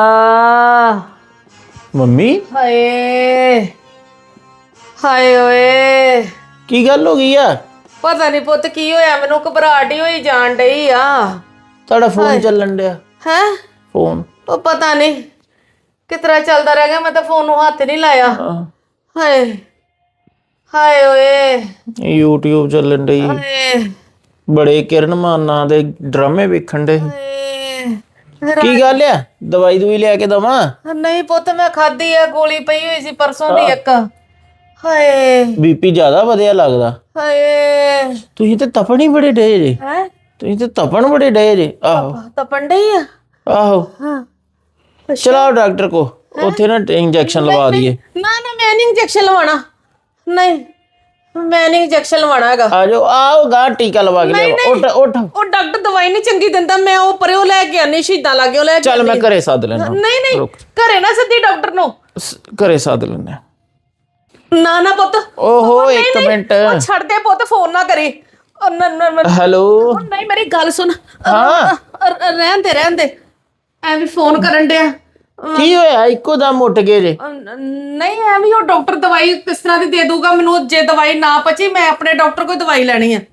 ਮੰਮੀ
ਹਾਏ ਹਾਏ ਓਏ
ਕੀ ਗੱਲ ਹੋ ਗਈ ਆ?
ਪਤਾ ਨਹੀਂ ਪੁੱਤ ਕੀ ਹੋਇਆ, ਮੈਨੂੰ ਘਬਰਾਹਟ ਹੀ ਹੋਈ ਜਾਣ ਡਈ ਆ।
ਤੁਹਾਡਾ ਫੋਨ ਚੱਲਣ ਡਿਆ।
ਹੈ
ਫੋਨ
ਉਹ ਪਤਾ ਨਹੀਂ ਕਿਤਰਾ ਚੱਲਦਾ ਰਹਿ ਗਿਆ, ਮੈਂ ਤਾਂ ਫੋਨ ਨੂੰ ਹੱਥ ਨਹੀਂ ਲਾਇਆ। ਹਾਏ ਹਾਏ ਓਏ
YouTube ਚੱਲਣ ਡਈ।
ਹਾਏ
ਬੜੇ ਕਿਰਨ ਮਾਨ ਨਾਂ ਦੇ ਡਰਾਮੇ ਵੇਖਣ ਡੇ।
ਹਾਏ।
ਕੀ ਗੱਲ ਆ? ਦਵਾਈ ਦੂਈ ਲਿਆ ਕੇ ਦਵਾਂ?
ਨਹੀਂ ਪੁੱਤ ਮੈਂ ਖਾਧੀ ਆ, ਗੋਲੀ ਪਈ ਹੋਈ ਸੀ ਪਰਸੋਂ ਦੀ ਇੱਕ। ਹਾਏ
ਬੀਪੀ ਜ਼ਿਆਦਾ ਵਧਿਆ ਲੱਗਦਾ।
ਹਾਏ
ਤੁਸੀਂ ਤੇ ਤਪਣ ਹੀ ਬੜੇ ਡੇ ਜੇ।
ਹੈ
ਤੁਸੀਂ ਤੇ ਤਪਣ ਬੜੇ ਡੇ ਜੇ। ਆਹੋ
ਤਪਣ ਡਈ ਆ।
ਆਹੋ
ਹਾਂ
ਚਲਾਓ ਡਾਕਟਰ ਕੋ, ਉੱਥੇ ਨਾ ਇੰਜੈਕਸ਼ਨ ਲਵਾ ਦਈਏ।
ਨਾ ਨਾ ਮੈਂ ਨਹੀਂ ਇੰਜੈਕਸ਼ਨ ਲਵਾਣਾ, ਨਹੀਂ ਮੈਂ ਨਹੀਂ ਇੰਜੈਕਸ਼ਨ ਲਵਾਣਾ ਹੈਗਾ।
ਆ ਜਾਓ, ਆਓ ਗਾ ਟੀਕਾ ਲਵਾ ਕੇ ਲਿਆਓ। ਉੱਠ ਉੱਠ
ਉਹ ਡਾਕਟਰ ਦਵਾਈ ਨਹੀਂ ਚੰਗੀ ਦਿੰਦਾ, ਮੈਂ ਉਹ ਪਰੇ ਉਹ ਲੈ ਕੇ ਆਨੀ ਸ਼ਹੀਦਾਂ ਲਾਗੇ ਉਹ ਲੈ ਕੇ
ਚੱਲ ਮੈਂ ਘਰੇ ਸੱਦ ਲੈਣਾ।
ਨਹੀਂ ਨਹੀਂ ਘਰੇ ਨਾ ਸੱਦੀ ਡਾਕਟਰ ਨੂੰ।
ਘਰੇ ਸੱਦ ਲੈਣਾ।
ਨਾ ਨਾ ਪੁੱਤ
ਓਹੋ ਇੱਕ ਮਿੰਟ।
ਉਹ ਛੱਡ ਦੇ ਪੁੱਤ, ਫੋਨ ਨਾ ਕਰੀ।
ਹੈਲੋ
ਨਹੀਂ ਮੇਰੀ ਗੱਲ ਸੁਣ।
ਹਾਂ
ਰਹਿਣ ਦੇ ਐਵੇਂ ਫੋਨ ਕਰਨ ਡਿਆ।
ਕੀ ਹੋਇਆ? ਇੱਕੋ ਦਮ ਉੱਠ ਗਏ ਜੇ।
ਨਹੀਂ ਐਵੇਂ ਉਹ ਡਾਕਟਰ ਦਵਾਈ ਕਿਸ ਤਰ੍ਹਾਂ ਦੀ ਦੇ ਦੂਗਾ ਮੈਨੂੰ, ਜੇ ਦਵਾਈ ਨਾ ਪਚੀ ਮੈਂ ਆਪਣੇ ਡਾਕਟਰ ਕੋਲ ਦਵਾਈ ਲੈਣੀ ਆ।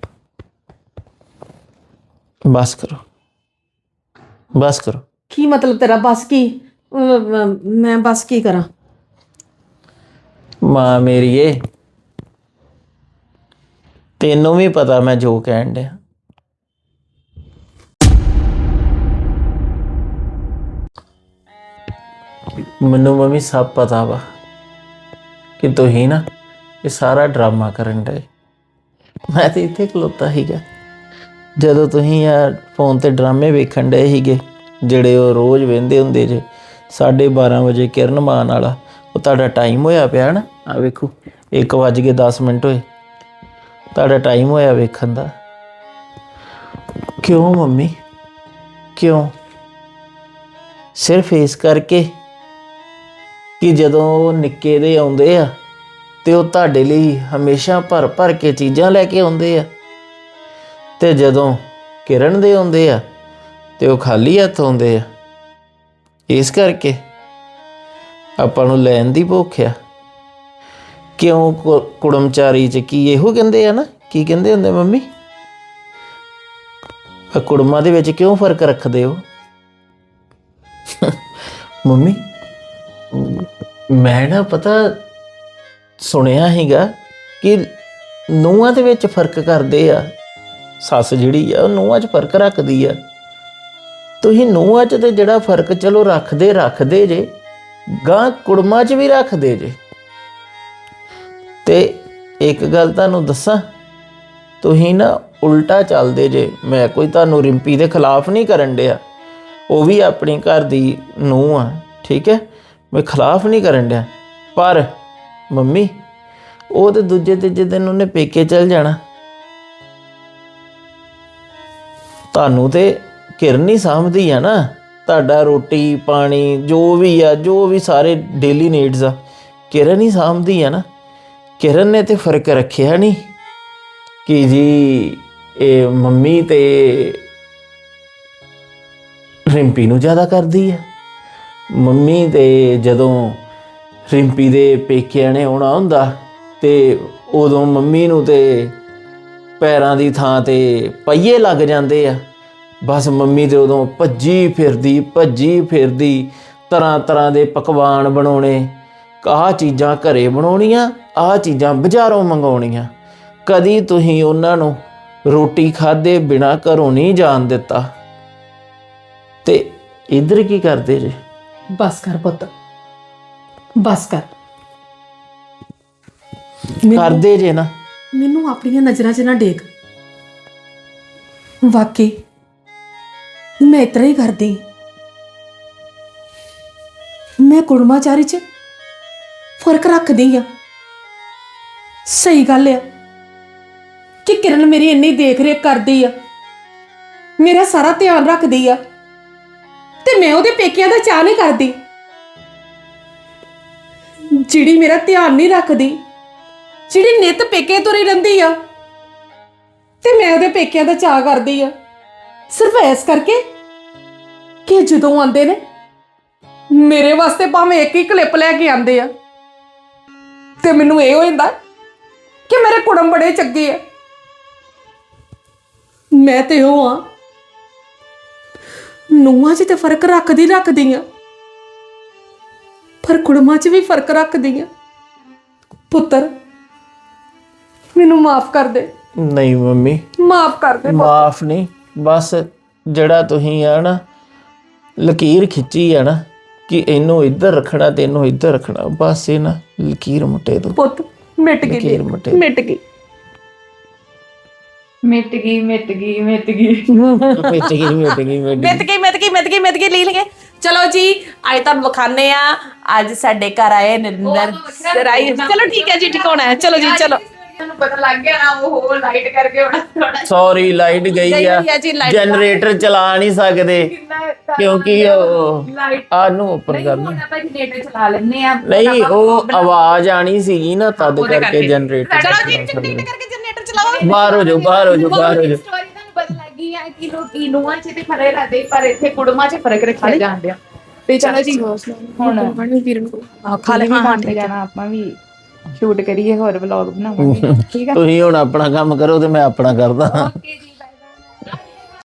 ਬਸ ਕਰੋ ਬਸ ਕਰੋ।
ਕੀ ਮਤਲਬ ਤੇਰਾ ਬਸ ਕੀ? ਮੈਂ ਬਸ ਕੀ ਕਰਾਂ?
ਮਾਂ ਮੇਰੀਏ, ਤੈਨੂੰ ਵੀ ਪਤਾ ਮੈਂ ਜੋ ਕਹਿਣ ਡਿਆ। ਮੈਨੂੰ ਮੰਮੀ ਸਭ ਪਤਾ ਵਾ ਕਿ ਤੁਸੀਂ ਨਾ ਇਹ ਸਾਰਾ ਡਰਾਮਾ ਕਰਨ ਡਏ। ਮੈਂ ਤੇ ਇੱਥੇ ਖਲੋਤਾ ਸੀਗਾ ਜਦੋਂ ਤੁਸੀਂ ਆ ਫੋਨ ਤੇ ਡਰਾਮੇ ਵੇਖਣ ਡਏ ਸੀਗੇ, ਜਿਹੜੇ ਉਹ ਰੋਜ਼ ਵੇਖਦੇ ਹੁੰਦੇ ਜੇ। 12:30 ਵਜੇ ਕਿਰਨ ਮਾਨ ਵਾਲਾ ਉਹ ਤੁਹਾਡਾ ਟਾਈਮ ਹੋਇਆ ਪਿਆ ਨਾ। ਆ ਵੇਖੋ 1:10 ਹੋਏ, ਤੁਹਾਡਾ ਟਾਈਮ ਹੋਇਆ ਵੇਖਣ ਦਾ। ਕਿਉਂ ਮੰਮੀ ਕਿਉਂ? ਸਿਰਫ ਇਸ ਕਰਕੇ ਕਿ ਜਦੋਂ ਉਹ ਨਿੱਕੇ ਦੇ ਆਉਂਦੇ ਆ ਤੇ ਉਹ ਤੁਹਾਡੇ ਲਈ ਹਮੇਸ਼ਾ ਭਰ ਭਰ ਕੇ ਚੀਜ਼ਾਂ ਲੈ ਕੇ ਆਉਂਦੇ ਆ, ਤੇ ਜਦੋਂ ਕਿਰਨ ਦੇ ਆਉਂਦੇ ਆ ਤੇ ਉਹ ਖਾਲੀ ਹੱਥ ਆਉਂਦੇ ਆ। ਇਸ ਕਰਕੇ ਆਪਾਂ ਨੂੰ ਲੈਣ ਦੀ ਭੁੱਖ ਆ। ਕਿਉਂ ਕੁੜਮਚਾਰੀ ਚ ਕੀ ਇਹੋ ਕਹਿੰਦੇ ਆ ਨਾ? ਕੀ ਕਹਿੰਦੇ ਹੁੰਦੇ ਮੰਮੀ? ਕੁੜਮਾਂ ਦੇ ਵਿੱਚ ਕਿਉਂ ਫਰਕ ਰੱਖਦੇ ਹੋ? ਮੰਮੀ ਮੈਂ ਨਾ ਪਤਾ ਸੁਣਿਆ ਹੈਗਾ ਕਿ ਨੂੰਹਾਂ ਦੇ ਵਿੱਚ ਫਰਕ ਕਰਦੇ ਆ। ਸੱਸ ਜਿਹੜੀ ਆ ਉਹ ਨੂੰਹਾਂ 'ਚ ਫਰਕ ਰੱਖਦੀ ਆ। ਤੁਸੀਂ ਨੂੰਹਾਂ 'ਚ ਤੇ ਜਿਹੜਾ ਫਰਕ ਚਲੋ ਰੱਖਦੇ ਜੇ, ਗਾਂ ਕੁੜਮਾਂ 'ਚ ਵੀ ਰੱਖਦੇ ਜੇ। ਤੇ ਇੱਕ ਗੱਲ ਤੁਹਾਨੂੰ ਦੱਸਾਂ, ਤੁਸੀਂ ਨਾ ਉਲਟਾ ਚੱਲਦੇ ਜੇ। ਮੈਂ ਕੋਈ ਤੁਹਾਨੂੰ ਰਿੰਪੀ ਦੇ ਖਿਲਾਫ ਨਹੀਂ ਕਰਨ ਡਿਆ, ਉਹ ਵੀ ਆਪਣੀ ਘਰ ਦੀ ਨੂੰਹ ਆ, ਠੀਕ ਹੈ? ਮੈਂ ਖਿਲਾਫ ਨਹੀਂ ਕਰਨ ਡਿਆ, ਪਰ ਮੰਮੀ ਉਹ ਤੇ ਦੂਜੇ ਤੀਜੇ ਦਿਨ ਉਹਨੇ ਪੇਕੇ ਚਲ ਜਾਣਾ। ਤੁਹਾਨੂੰ ਤੇ ਕਿਰਨ ਹੀ ਸਾਂਭਦੀ ਆ ਨਾ, ਤੁਹਾਡਾ ਰੋਟੀ ਪਾਣੀ ਜੋ ਵੀ ਸਾਰੇ ਡੇਲੀ ਨੀਡਸ ਆ ਕਿਰਨ ਹੀ ਸਾਂਭਦੀ ਆ ਨਾ। ਕਿਰਨ ਨੇ ਤੇ ਫਰਕ ਰੱਖਿਆ ਨਹੀਂ ਕਿ ਜੀ ਇਹ ਮੰਮੀ ਤੇ ਰਿੰਪੀ ਨੂੰ ਜ਼ਿਆਦਾ ਕਰਦੀ ਆ। ਮੰਮੀ ਤੇ ਜਦੋਂ ਰਿੰਪੀ ਦੇ ਪੇਕਿਆਂ ਨੇ ਆਉਣਾ ਹੁੰਦਾ ਤੇ ਉਦੋਂ ਮੰਮੀ ਨੂੰ ਤੇ ਪੈਰਾਂ ਦੀ ਥਾਂ ਤੇ ਪਹੀਏ ਲੱਗ ਜਾਂਦੇ ਆ। ਬਸ ਮੰਮੀ ਤੇ ਉਦੋਂ ਭੱਜੀ ਫਿਰਦੀ ਤਰ੍ਹਾਂ ਤਰ੍ਹਾਂ ਦੇ ਪਕਵਾਨ ਬਣਾਉਣੇ। ਆਹ ਚੀਜ਼ਾਂ ਘਰੇ ਬਣਾਉਣੀਆਂ, ਆਹ ਚੀਜ਼ਾਂ ਬਾਜ਼ਾਰੋਂ ਮੰਗਾਉਣੀਆਂ। ਕਦੀ ਤੁਸੀਂ ਉਹਨਾਂ ਨੂੰ ਰੋਟੀ ਖਾਧੇ ਬਿਨਾਂ ਘਰੋਂ ਨਹੀਂ ਜਾਣ ਦਿੱਤਾ। ਤੇ ਇੱਧਰ ਕੀ ਕਰਦੇ ਜੇ?
ਬਸ ਕਰ ਪੁੱਤ, ਬਸ ਕਰ।
ਕਰਦੇ ਜੇ ਨਾ।
ਮੈਨੂੰ ਆਪਣੀਆਂ ਨਜ਼ਰਾਂ 'ਚ ਨਾ ਡੇਗ। ਵਾਕਈ ਮੈਂ ਇਤਰਾ ਹੀ ਕਰਦੀ। ਮੈਂ ਕੁੜਮਾਚਾਰੀ 'ਚ ਫਰਕ ਰੱਖਦੀ ਆ। ਸਹੀ ਗੱਲ ਆ ਕਿ ਕਿਰਨ ਮੇਰੀ ਇੰਨੀ ਦੇਖ ਰੇਖ ਕਰਦੀ ਆ, ਮੇਰਾ ਸਾਰਾ ਧਿਆਨ ਰੱਖਦੀ ਆ, ਤੇ ਤੇ ਮੈਂ ਉਹਦੇ ਪੇਕਿਆਂ ਦਾ ਚਾਹ ਨਹੀਂ ਕਰਦੀ, ਜਿਹੜੀ ਮੇਰਾ ਧਿਆਨ ਨਹੀਂ ਰੱਖਦੀ, ਜਿਹੜੀ ਨਿੱਤ ਪੇਕੇ ਤੁਰੀ ਰਹਿੰਦੀ ਆ, ਤੇ ਮੈਂ ਉਹਦੇ ਪੇਕਿਆਂ ਦਾ ਚਾਹ ਕਰਦੀ ਆ ਸਿਰਫ ਇਸ ਕਰਕੇ ਕਿ ਜਦੋਂ ਆਉਂਦੇ ਨੇ ਮੇਰੇ ਵਾਸਤੇ ਭਾਵੇਂ ਇੱਕ ਹੀ ਕਲਿੱਪ ਲੈ ਕੇ ਆਉਂਦੇ ਆ ਤੇ ਮੈਨੂੰ ਇਹ ਹੋ ਜਾਂਦਾ ਕਿ ਮੇਰੇ ਕੁੜਮ ਬੜੇ ਚੰਗੇ ਆ। ਮੈਂ ਤੇ ਉਹ ਆ, ਨੂੰਹਾਂ 'ਚ ਤੇ ਫਰਕ ਰੱਖਦੀ ਆ, ਪਰ ਕੁੜਮਾਂ 'ਚ ਵੀ ਫਰਕ ਰੱਖਦੀ ਆ। ਪੁੱਤਰ ਮੈਨੂੰ ਮਾਫ ਕਰ ਦੇ,
ਨਹੀਂ ਮੰਮੀ,
ਮਾਫ ਕਰ ਦੇ।
ਮਾਫ ਨਹੀਂ, ਬਸ ਜਿਹੜਾ ਤੁਸੀਂ ਆ ਨਾ ਲਕੀਰ ਖਿੱਚੀ ਆ ਨਾ ਕਿ ਇਹਨੂੰ ਇੱਧਰ ਰੱਖਣਾ ਤੇ ਇਹਨੂੰ ਇੱਧਰ ਰੱਖਣਾ, ਬਸ ਇਹ ਨਾ ਲਕੀਰ ਮੁੱਟੇ ਤੋਂ
ਪੁੱਤ ਮਿਟ ਗਈ,
ਲਕੀਰ ਮੁੱਟੇ
ਮਿਟ ਗਈ।
ਮਿੱਟ ਗਈ ਮਿੱਟ ਗਈ ਮਿੱਟ
ਗਈ ਲੈ ਲਗੇ। ਚਲੋ ਜੀ ਅੱਜ ਤੁਹਾਨੂੰ ਵਿਖਾਣੇ ਆ, ਅੱਜ ਸਾਡੇ ਘਰ ਆਏ ਨਰਿੰਦਰ ਰਾਈ। ਚਲੋ ਠੀਕ ਹੈ ਜੀ, ਟਿਕਾਉਣਾ ਹੈ। ਚਲੋ ਜੀ ਚਲੋ।
ਤੁਹਾਨੂੰ ਪਤਾ ਲੱਗ ਗਿਆ ਨਾ, ਉਹ ਲਾਈਟ ਕਰਕੇ ਹੋਣਾ ਥੋੜਾ।
ਸੌਰੀ ਲਾਈਟ ਗਈ ਆ,
ਗਈ ਆ ਜੀ, ਲਾਈਟ
ਜਨਰੇਟਰ ਚਲਾ ਨਹੀਂ ਸਕਦੇ ਕਿਉਂਕਿ ਉਹ ਆ ਨੂੰ ਉੱਪਰ ਕਰਨਾ।
ਆਪਾਂ ਜਨਰੇਟਰ ਚਲਾ ਲੈਣੇ ਆ।
ਨਹੀਂ ਉਹ ਆਵਾਜ਼ ਆਣੀ ਸੀਗੀ ਨਾ, ਤਦ ਕਰਕੇ ਜਨਰੇਟਰ।
ਚਲੋ ਜੀ ਜਨਰੇਟਰ ਕਰਕੇ ਜਨਰੇਟਰ ਚਲਾਓ।
ਬਾਹਰ ਹੋ ਜਾਓ, ਬਾਹਰ ਹੋ ਜਾਓ, ਬਾਹਰ ਹੋ ਜਾਓ।
ਸਟੋਰੀ ਤੁਹਾਨੂੰ ਪਤਾ ਲੱਗ ਗਈ ਆ ਕਿ ਲੋਕੀ ਨੂੰਹਾਂ 'ਚ ਤੇ ਫਰਕ ਰੱਖਦੇ, ਪਰ ਇੱਥੇ ਕੁੜਮਾਂ 'ਚ ਫਰਕ ਰੱਖਿਆ ਜਾਂਦੇ ਆ। ਤੇ ਚਲੋ ਜੀ ਹੁਣ
ਖਾ ਲੈ
ਜਾਣਾ, ਆਪਾਂ ਵੀ ਸ਼ੂਟ ਕਰੀਏ, ਹੋਰ ਵਲੌਗ ਬਣਾਵਾਂਗੇ। ਠੀਕ ਆ,
ਤੁਸੀਂ ਹੁਣ ਆਪਣਾ ਕੰਮ ਕਰੋ ਤੇ ਮੈਂ ਆਪਣਾ ਕਰਦਾ।
ਓਕੇ ਜੀ।